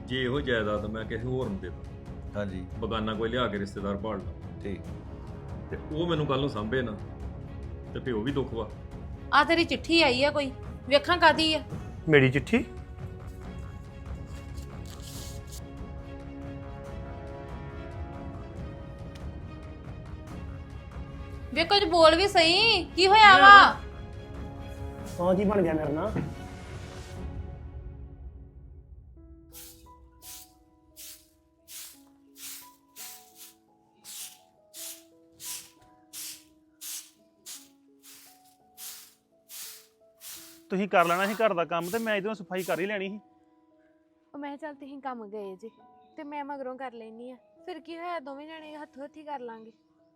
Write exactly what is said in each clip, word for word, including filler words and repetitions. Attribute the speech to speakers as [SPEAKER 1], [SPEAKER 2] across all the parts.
[SPEAKER 1] ਜੇ ਇਹੋ ਜਾਇਦਾਦ ਮੈਂ ਕਿਸੇ ਹੋਰ ਨੂੰ ਦੇ ਦਾਂ,
[SPEAKER 2] ਹਾਂਜੀ
[SPEAKER 1] ਬਗਾਨਾ ਕੋਈ ਲਿਆ ਕੇ ਰਿਸ਼ਤੇਦਾਰ ਭਾਲ ਲਾ,
[SPEAKER 2] ਠੀਕ।
[SPEAKER 1] ਤੇ ਉਹ ਮੈਨੂੰ ਕੱਲ ਨੂੰ ਸਾਂਭੇ ਨਾ, ਤੇ ਪਿਓ ਵੀ ਦੁੱਖ ਵਾ।
[SPEAKER 3] ਆ ਤੇਰੀ ਚਿੱਠੀ ਆਈ ਆ ਕੋਈ, ਵੇਖਾਂ ਕਾਦੀ ਆ।
[SPEAKER 4] ਮੇਰੀ ਚਿੱਠੀ?
[SPEAKER 3] ਵੇ ਕੁਝ ਬੋਲ ਵੀ ਸਹੀ, ਕੀ ਹੋਇਆ ਵਾ?
[SPEAKER 4] ਹਾਂ ਕੀ ਬਣ ਗਿਆ ਮੇਰੇ ਨਾਲ? ਤੁਸੀਂ ਕਰ ਲੈਣਾ ਸੀ ਘਰ ਦਾ ਕੰਮ, ਤੇ ਮੈਂ ਇਧਰੋਂ ਸਫਾਈ ਕਰ ਹੀ ਲੈਣੀ ਸੀ।
[SPEAKER 5] ਉਹ ਮੈਂ ਕਿਹਾ ਚੱਲ ਤੁਸੀਂ ਕੰਮ ਗਏ ਜੇ ਤੇ ਮੈਂ ਮਗਰੋਂ ਕਰ ਲੈਣੀ ਆ, ਫਿਰ ਕੀ ਹੋਇਆ, ਦੋਵੇਂ ਜਣੇ ਹੱਥੋਂ ਹੱਥੀ ਕਰ ਲਾਂਗੇ।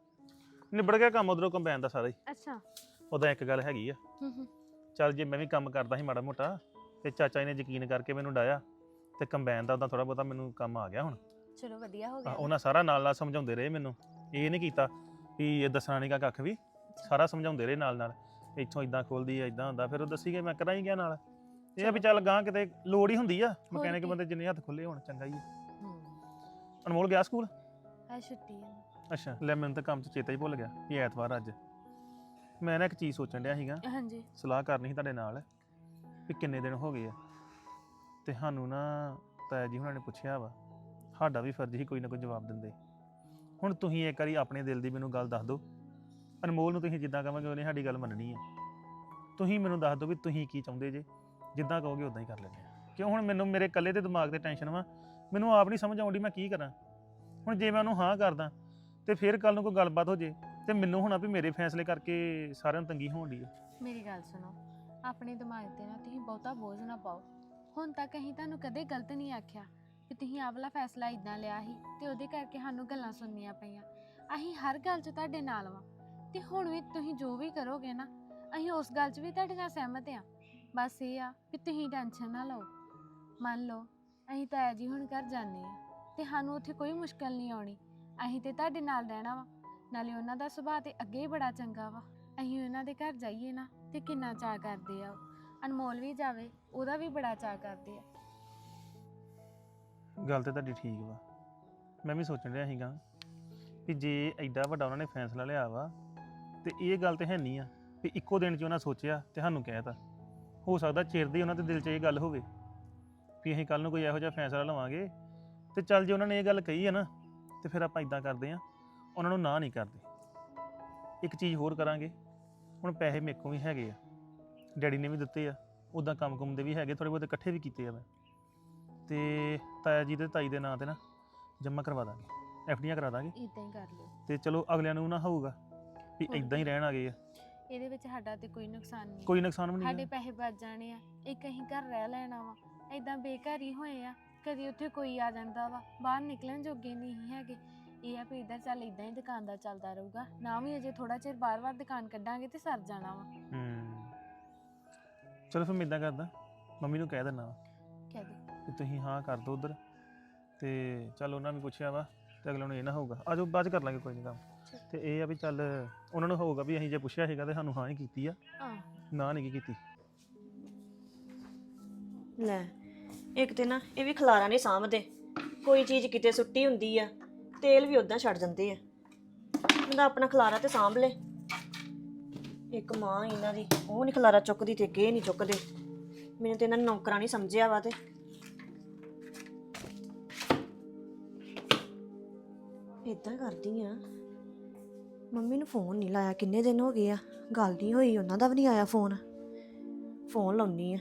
[SPEAKER 4] ਨਿਬੜ ਗਿਆ ਕੰਮ ਉਧਰੋਂ ਕੰਬਾਈਨ ਦਾ ਸਾਰਾ ਹੀ।
[SPEAKER 5] ਅੱਛਾ।
[SPEAKER 4] ਉਹਦਾ ਇੱਕ ਗੱਲ ਹੈਗੀ ਆ,
[SPEAKER 5] ਹੂੰ ਹੂੰ।
[SPEAKER 4] ਚੱਲ ਜੇ ਮੈਂ ਵੀ ਕੰਮ ਕਰਦਾ ਸੀ ਮਾੜਾ ਮੋਟਾ, ਤੇ ਚਾਚਾ ਜੀ ਨੇ ਯਕੀਨ ਕਰਕੇ ਮੈਨੂੰ ਡਾਇਆ, ਤੇ ਕੰਬਾਈਨ ਦਾ ਉਹਦਾ ਥੋੜਾ ਬਹੁਤਾ ਮੈਨੂੰ ਕੰਮ ਆ ਗਿਆ ਹੁਣ।
[SPEAKER 5] ਚਲੋ ਵਧੀਆ ਹੋ
[SPEAKER 4] ਆਹ,
[SPEAKER 5] ਗਿਆ।
[SPEAKER 4] ਉਹਨਾਂ ਸਾਰਾ ਨਾਲ ਨਾਲ ਸਮਝਾਉਂਦੇ ਰਹੇ ਮੈਨੂੰ, ਇਹ ਨਹੀਂ ਕੀਤਾ ਵੀ ਇਹ ਦੱਸਣਾ ਨਹੀਂ ਕੱਖ ਵੀ, ਸਾਰਾ ਸਮਝਾਉਂਦੇ ਰਹੇ ਨਾਲ ਨਾਲ, ਇੱਥੋਂ ਇਦਾਂ ਖੋਲਦੀ ਆ, ਇਦਾਂ ਹੁੰਦਾ, ਫਿਰ ਉਹ ਦੱਸੀ ਗਏ, ਮੈਂ ਕਰਾਂ ਹੀ ਗਿਆ ਨਾਲ। ਇਹ ਆ ਵੀ ਚੱਲ ਗਾਂ ਕਿਤੇ ਲੋੜ ਹੀ ਹੁੰਦੀ ਆ, ਮਕੈਨਿਕ ਬੰਦੇ ਜਿੰਨੇ ਹੱਥ ਖੁੱਲੇ ਹੋਣ ਚੰਗਾ ਹੀ ਆ।
[SPEAKER 5] ਹੂੰ।
[SPEAKER 4] ਅਨਮੋਲ ਗਿਆ ਸਕੂਲ?
[SPEAKER 5] ਆ ਛੁੱਟੀ ਆ।
[SPEAKER 4] ਅੱਛਾ, ਲੈ ਮੈਨੂੰ ਤਾਂ ਕੰਮ 'ਚ ਚੇਤਾ ਹੀ ਭੁੱਲ ਗਿਆ ਵੀ ਐਤਵਾਰ ਅੱਜ। ਮੈਂ ਨਾ ਇੱਕ ਚੀਜ਼ ਸੋਚਣ ਡਿਆ ਸੀਗਾ,
[SPEAKER 5] ਹਾਂਜੀ।
[SPEAKER 4] ਸਲਾਹ ਕਰਨੀ ਸੀ ਤੁਹਾਡੇ ਨਾਲ, ਵੀ ਕਿੰਨੇ ਦਿਨ ਹੋ ਗਏ ਆ ਤੇ ਸਾਨੂੰ ਨਾ ਤਾਇਆ ਜੀ ਹੁਣਾਂ ਨੇ ਪੁੱਛਿਆ ਵਾ, ਸਾਡਾ ਵੀ ਫਰਜ਼ ਹੀ ਕੋਈ ਨਾ ਕੋਈ ਜਵਾਬ ਦਿੰਦੇ। ਹੁਣ ਤੁਸੀਂ ਇੱਕ ਵਾਰੀ ਆਪਣੇ ਦਿਲ ਦੀ ਮੈਨੂੰ ਗੱਲ ਦੱਸ ਦਿਓ, ਅਨਮੋਲ ਨੂੰ ਤੁਸੀਂ ਜਿੱਦਾਂ ਕਹੋਗੇ ਉਹਨੇ ਸਾਡੀ ਗੱਲ ਮੰਨਣੀ ਆ। ਤੁਸੀਂ ਮੈਨੂੰ ਦੱਸ ਦਿਓ ਵੀ ਤੁਸੀਂ ਕੀ ਚਾਹੁੰਦੇ ਜੇ, ਜਿੱਦਾਂ ਕਹੋਗੇ ਉਦਾਂ ਹੀ ਕਰ ਲੈਂਦੇ ਆ। ਕਿਉਂ ਹੁਣ ਮੈਨੂੰ ਮੇਰੇ ਇਕੱਲੇ ਦੇ ਦਿਮਾਗ ਤੇ ਟੈਨਸ਼ਨ ਵਾ, ਮੈਨੂੰ ਆਪ ਨਹੀਂ ਸਮਝ ਆਉਂਦੀ ਮੈਂ ਕੀ ਕਰਾਂ। ਹੁਣ ਜੇ ਮੈਂ ਉਹਨੂੰ ਹਾਂ ਕਰਦਾ ਤੇ ਫਿਰ ਕੱਲ ਨੂੰ ਕੋਈ ਗੱਲਬਾਤ ਹੋ ਜੇ, ਤੇ ਮੈਨੂੰ ਹੋਣਾ ਵੀ ਮੇਰੇ ਫੈਸਲੇ ਕਰਕੇ ਸਾਰਿਆਂ ਨੂੰ ਤੰਗੀ ਹੋਣ ਦੀ ਹੈ।
[SPEAKER 5] ਮੇਰੀ ਗੱਲ ਸੁਣੋ, ਆਪਣੇ ਦਿਮਾਗ ਤੇ ਨਾ ਤੁਸੀਂ ਬਹੁਤਾ ਬੋਝ ਨਾ ਪਾਓ। ਹੁਣ ਤੱਕ ਅਸੀਂ ਤੁਹਾਨੂੰ ਕਦੇ ਗਲਤ ਨਹੀਂ ਆਖਿਆ ਕਿ ਤੁਸੀਂ ਆਹ ਵਾਲਾ ਫੈਸਲਾ ਇਦਾਂ ਲਿਆ ਸੀ ਤੇ ਉਹਦੇ ਕਰਕੇ ਸਾਨੂੰ ਗੱਲਾਂ ਸੁਣਨੀਆਂ ਪਈਆਂ। ਅਸੀਂ ਹਰ ਗੱਲ 'ਚ ਤੁਹਾਡੇ ਨਾਲ ਵਾਂ, ਤੇ ਹੁਣ ਵੀ ਤੁਸੀਂ ਜੋ ਵੀ ਕਰੋਗੇ ਨਾ, ਅਸੀਂ ਉਸ ਗੱਲ 'ਚ ਵੀ ਤੁਹਾਡੇ ਨਾਲ ਸਹਿਮਤ ਆ। ਬਸ ਇਹ ਆ ਕਿ ਤੁਸੀਂ ਟੈਨਸ਼ਨ ਨਾ ਲਓ। ਮੰਨ ਲਓ ਅਸੀਂ ਤਾਇਆ ਜੀ ਹੁਣ ਘਰ ਜਾਂਦੇ ਆ, ਤੇ ਸਾਨੂੰ ਉੱਥੇ ਕੋਈ ਮੁਸ਼ਕਲ ਨਹੀਂ ਆਉਣੀ। ਅਸੀਂ ਤੇ ਤੁਹਾਡੇ ਨਾਲ ਰਹਿਣਾ ਵਾ, ਨਾਲੇ ਉਹਨਾਂ ਦਾ ਸੁਭਾਅ ਤੇ ਅੱਗੇ ਹੀ ਬੜਾ ਚੰਗਾ ਵਾ। ਅਸੀਂ ਉਹਨਾਂ ਦੇ ਘਰ ਜਾਈਏ ਨਾ ਤੇ ਕਿੰਨਾ ਚਾਅ ਕਰਦੇ ਆ ਉਹ। ਅਨਮੋਲ ਵੀ ਜਾਵੇ, ਉਹਦਾ ਵੀ ਬੜਾ ਚਾਅ ਕਰਦੇ ਆ।
[SPEAKER 4] ਗੱਲ ਤੇ ਤੁਹਾਡੀ ਠੀਕ ਵਾ, ਮੈਂ ਵੀ ਸੋਚਣ ਰਿਹਾ ਸੀਗਾ ਕਿ ਜੇ ਐਡਾ ਵੱਡਾ ਉਹਨਾਂ ਨੇ ਫੈਸਲਾ ਲਿਆ ਵਾ, ਤੇ ਇਹ ਗੱਲ ਤੇ ਹੈ ਨਹੀਂ ਆ ਵੀ ਇੱਕੋ ਦਿਨ 'ਚ ਉਹਨਾਂ ਸੋਚਿਆ ਤੇ ਸਾਨੂੰ ਕਹਿਤਾ। ਹੋ ਸਕਦਾ ਚਿਰ ਦੀ ਉਹਨਾਂ ਦੇ ਦਿਲ 'ਚ ਇਹ ਗੱਲ ਹੋਵੇ ਵੀ ਅਸੀਂ ਕੱਲ ਨੂੰ ਕੋਈ ਇਹੋ ਜਿਹਾ ਫੈਸਲਾ ਲਵਾਂਗੇ, ਤੇ ਚੱਲ ਜੇ ਉਹਨਾਂ ਨੇ ਇਹ ਗੱਲ ਕਹੀ ਹੈ ਨਾ, ਤੇ ਫਿਰ ਆਪਾਂ ਇਦਾਂ ਕਰਦੇ ਹਾਂ, ਉਹਨਾਂ ਨੂੰ ਨਾ ਨਹੀਂ ਕਰਦੇ। ਇੱਕ ਚੀਜ਼ ਹੋਰ ਕਰਾਂਗੇ, ਹੁਣ ਪੈਸੇ ਮੇਰੇ ਕੋਲ ਵੀ ਹੈਗੇ ਆ, ਡੈਡੀ ਨੇ ਵੀ ਦਿੱਤੇ ਆ, ਉੱਦਾਂ ਕੰਮ ਕੁੰਮ ਦੇ ਵੀ ਹੈਗੇ, ਥੋੜ੍ਹੇ ਬਹੁਤੇ ਇਕੱਠੇ ਵੀ ਕੀਤੇ ਆ ਮੈਂ, ਤੇ ਤਾਇਆ ਜੀ ਦੇ ਤਾਈ ਦੇ ਨਾਂ 'ਤੇ ਨਾ ਜਮ੍ਹਾਂ ਕਰਵਾ ਦਾਂਗੇ, ਐਫ ਡੀਆਂ ਕਰਾ ਦਾਂਗੇ।
[SPEAKER 5] ਇਦਾਂ ਹੀ ਕਰ ਲਿਓ,
[SPEAKER 4] ਤੇ ਚਲੋ ਅਗਲਿਆਂ ਨੂੰ ਨਾ ਹੋਊਗਾ ਵੀ ਇਦਾਂ ਹੀ ਰਹਿਣ ਆ ਗਏ ਆ।
[SPEAKER 5] ਇਹਦੇ ਵਿੱਚ ਸਾਡਾ ਤੇ ਕੋਈ ਨੁਕਸਾਨ ਨਹੀਂ।
[SPEAKER 4] ਕੋਈ ਨੁਕਸਾਨ ਵੀ
[SPEAKER 5] ਸਾਡੇ
[SPEAKER 4] ਨਹੀਂ।
[SPEAKER 5] ਪੈਸੇ ਬਚ ਜਾਣੇ ਆ, ਇੱਕ ਅਸੀਂ ਘਰ ਰਹਿ ਲੈਣਾ ਵਾ। ਇਦਾਂ ਬੇਘਰ ਹੀ ਹੋਏ ਆ, ਕਦੀ ਉੱਥੇ ਕੋਈ ਆ ਜਾਂਦਾ ਵਾ, ਬਾਹਰ ਨਿਕਲਣ ਜੋਗੇ ਨਹੀਂ ਹੈਗੇ। ਇਹ ਆ ਵੀ ਇੱਧਰ ਚੱਲ ਇਦਾਂ ਹੀ ਦੁਕਾਨ ਦਾ ਚੱਲਦਾ ਰਹੂਗਾ, ਨਾ ਵੀ ਅਜੇ ਥੋੜਾ ਚਿਰ ਬਾਰ-ਬਾਰ ਦੁਕਾਨ ਕੱਢਾਂਗੇ ਤੇ ਸਰ ਜਾਣਾ ਵਾ।
[SPEAKER 4] ਹੂੰ, ਚਲੋ ਫਿਰ ਮੈਂ ਇਦਾਂ ਕਰਦਾ, ਮੰਮੀ ਨੂੰ ਕਹਿ ਦਿੰਦਾ ਵਾ
[SPEAKER 5] ਕਹਿ ਦੇ
[SPEAKER 4] ਕਿ ਤੁਸੀਂ ਹਾਂ ਕਰ ਦਿਓ ਉੱਧਰ, ਤੇ ਚੱਲ ਉਹਨਾਂ ਨੇ ਪੁੱਛਿਆ ਵਾ, ਤੇ ਅਗਲੇ ਨੂੰ ਇਹ ਨਾ ਹੋਊਗਾ, ਆਜੋ ਬਾਅਦ 'ਚ ਕਰ ਲਾਂਗੇ ਕੋਈ ਨਹੀਂ ਕੰਮ। ਤੇ ਇਹ ਆ ਵੀ ਚੱਲ ਉਹਨਾਂ ਨੂੰ ਹੋਊਗਾ ਵੀ ਅਸੀਂ ਜੇ ਪੁੱਛਿਆ ਸੀਗਾ ਤੇ ਸਾਨੂੰ ਹਾਂ ਹੀ ਕੀਤੀ ਆ,
[SPEAKER 5] ਹਾਂ।
[SPEAKER 4] ਨਾ ਨਹੀਂ ਕੀਤੀ।
[SPEAKER 6] ਲੈ ਇੱਕ ਤੇ ਨਾ ਇਹ ਵੀ ਖਲਾਰਾ ਨਹੀਂ ਸਾਂਭਦੇ, ਕੋਈ ਚੀਜ਼ ਕਿਤੇ ਸੁੱਟੀ ਹੁੰਦੀ ਆ, ਤੇਲ ਵੀ ਉਦਾਂ ਛੱਡ ਜਾਂਦੇ ਆ। ਬੰਦਾ ਆਪਣਾ ਖਲਾਰਾ ਤੇ ਸਾਂਭ ਲੈ। ਇੱਕ ਮਾਂ ਇਹਨਾਂ ਦੀ, ਉਹ ਨਹੀਂ ਖਲਾਰਾ ਚੁੱਕਦੀ ਤੇ ਕੇ ਨਹੀਂ ਚੁੱਕਦੇ। ਮੈਨੂੰ ਤੇ ਇਹਨਾਂ ਨੇ ਨੌਕਰਾਂ ਨਹੀਂ ਸਮਝਿਆ ਵਾ। ਤੇ ਇਦਾਂ ਕਰਦੀ ਆ, ਮੰਮੀ ਨੂੰ ਫੋਨ ਨਹੀਂ ਲਾਇਆ, ਕਿੰਨੇ ਦਿਨ ਹੋ ਗਏ ਆ, ਗੱਲ ਨਹੀਂ ਹੋਈ, ਉਹਨਾਂ ਦਾ ਵੀ ਨਹੀਂ ਆਇਆ ਫੋਨ। ਫੋਨ ਲਾਉਣੀ ਆ।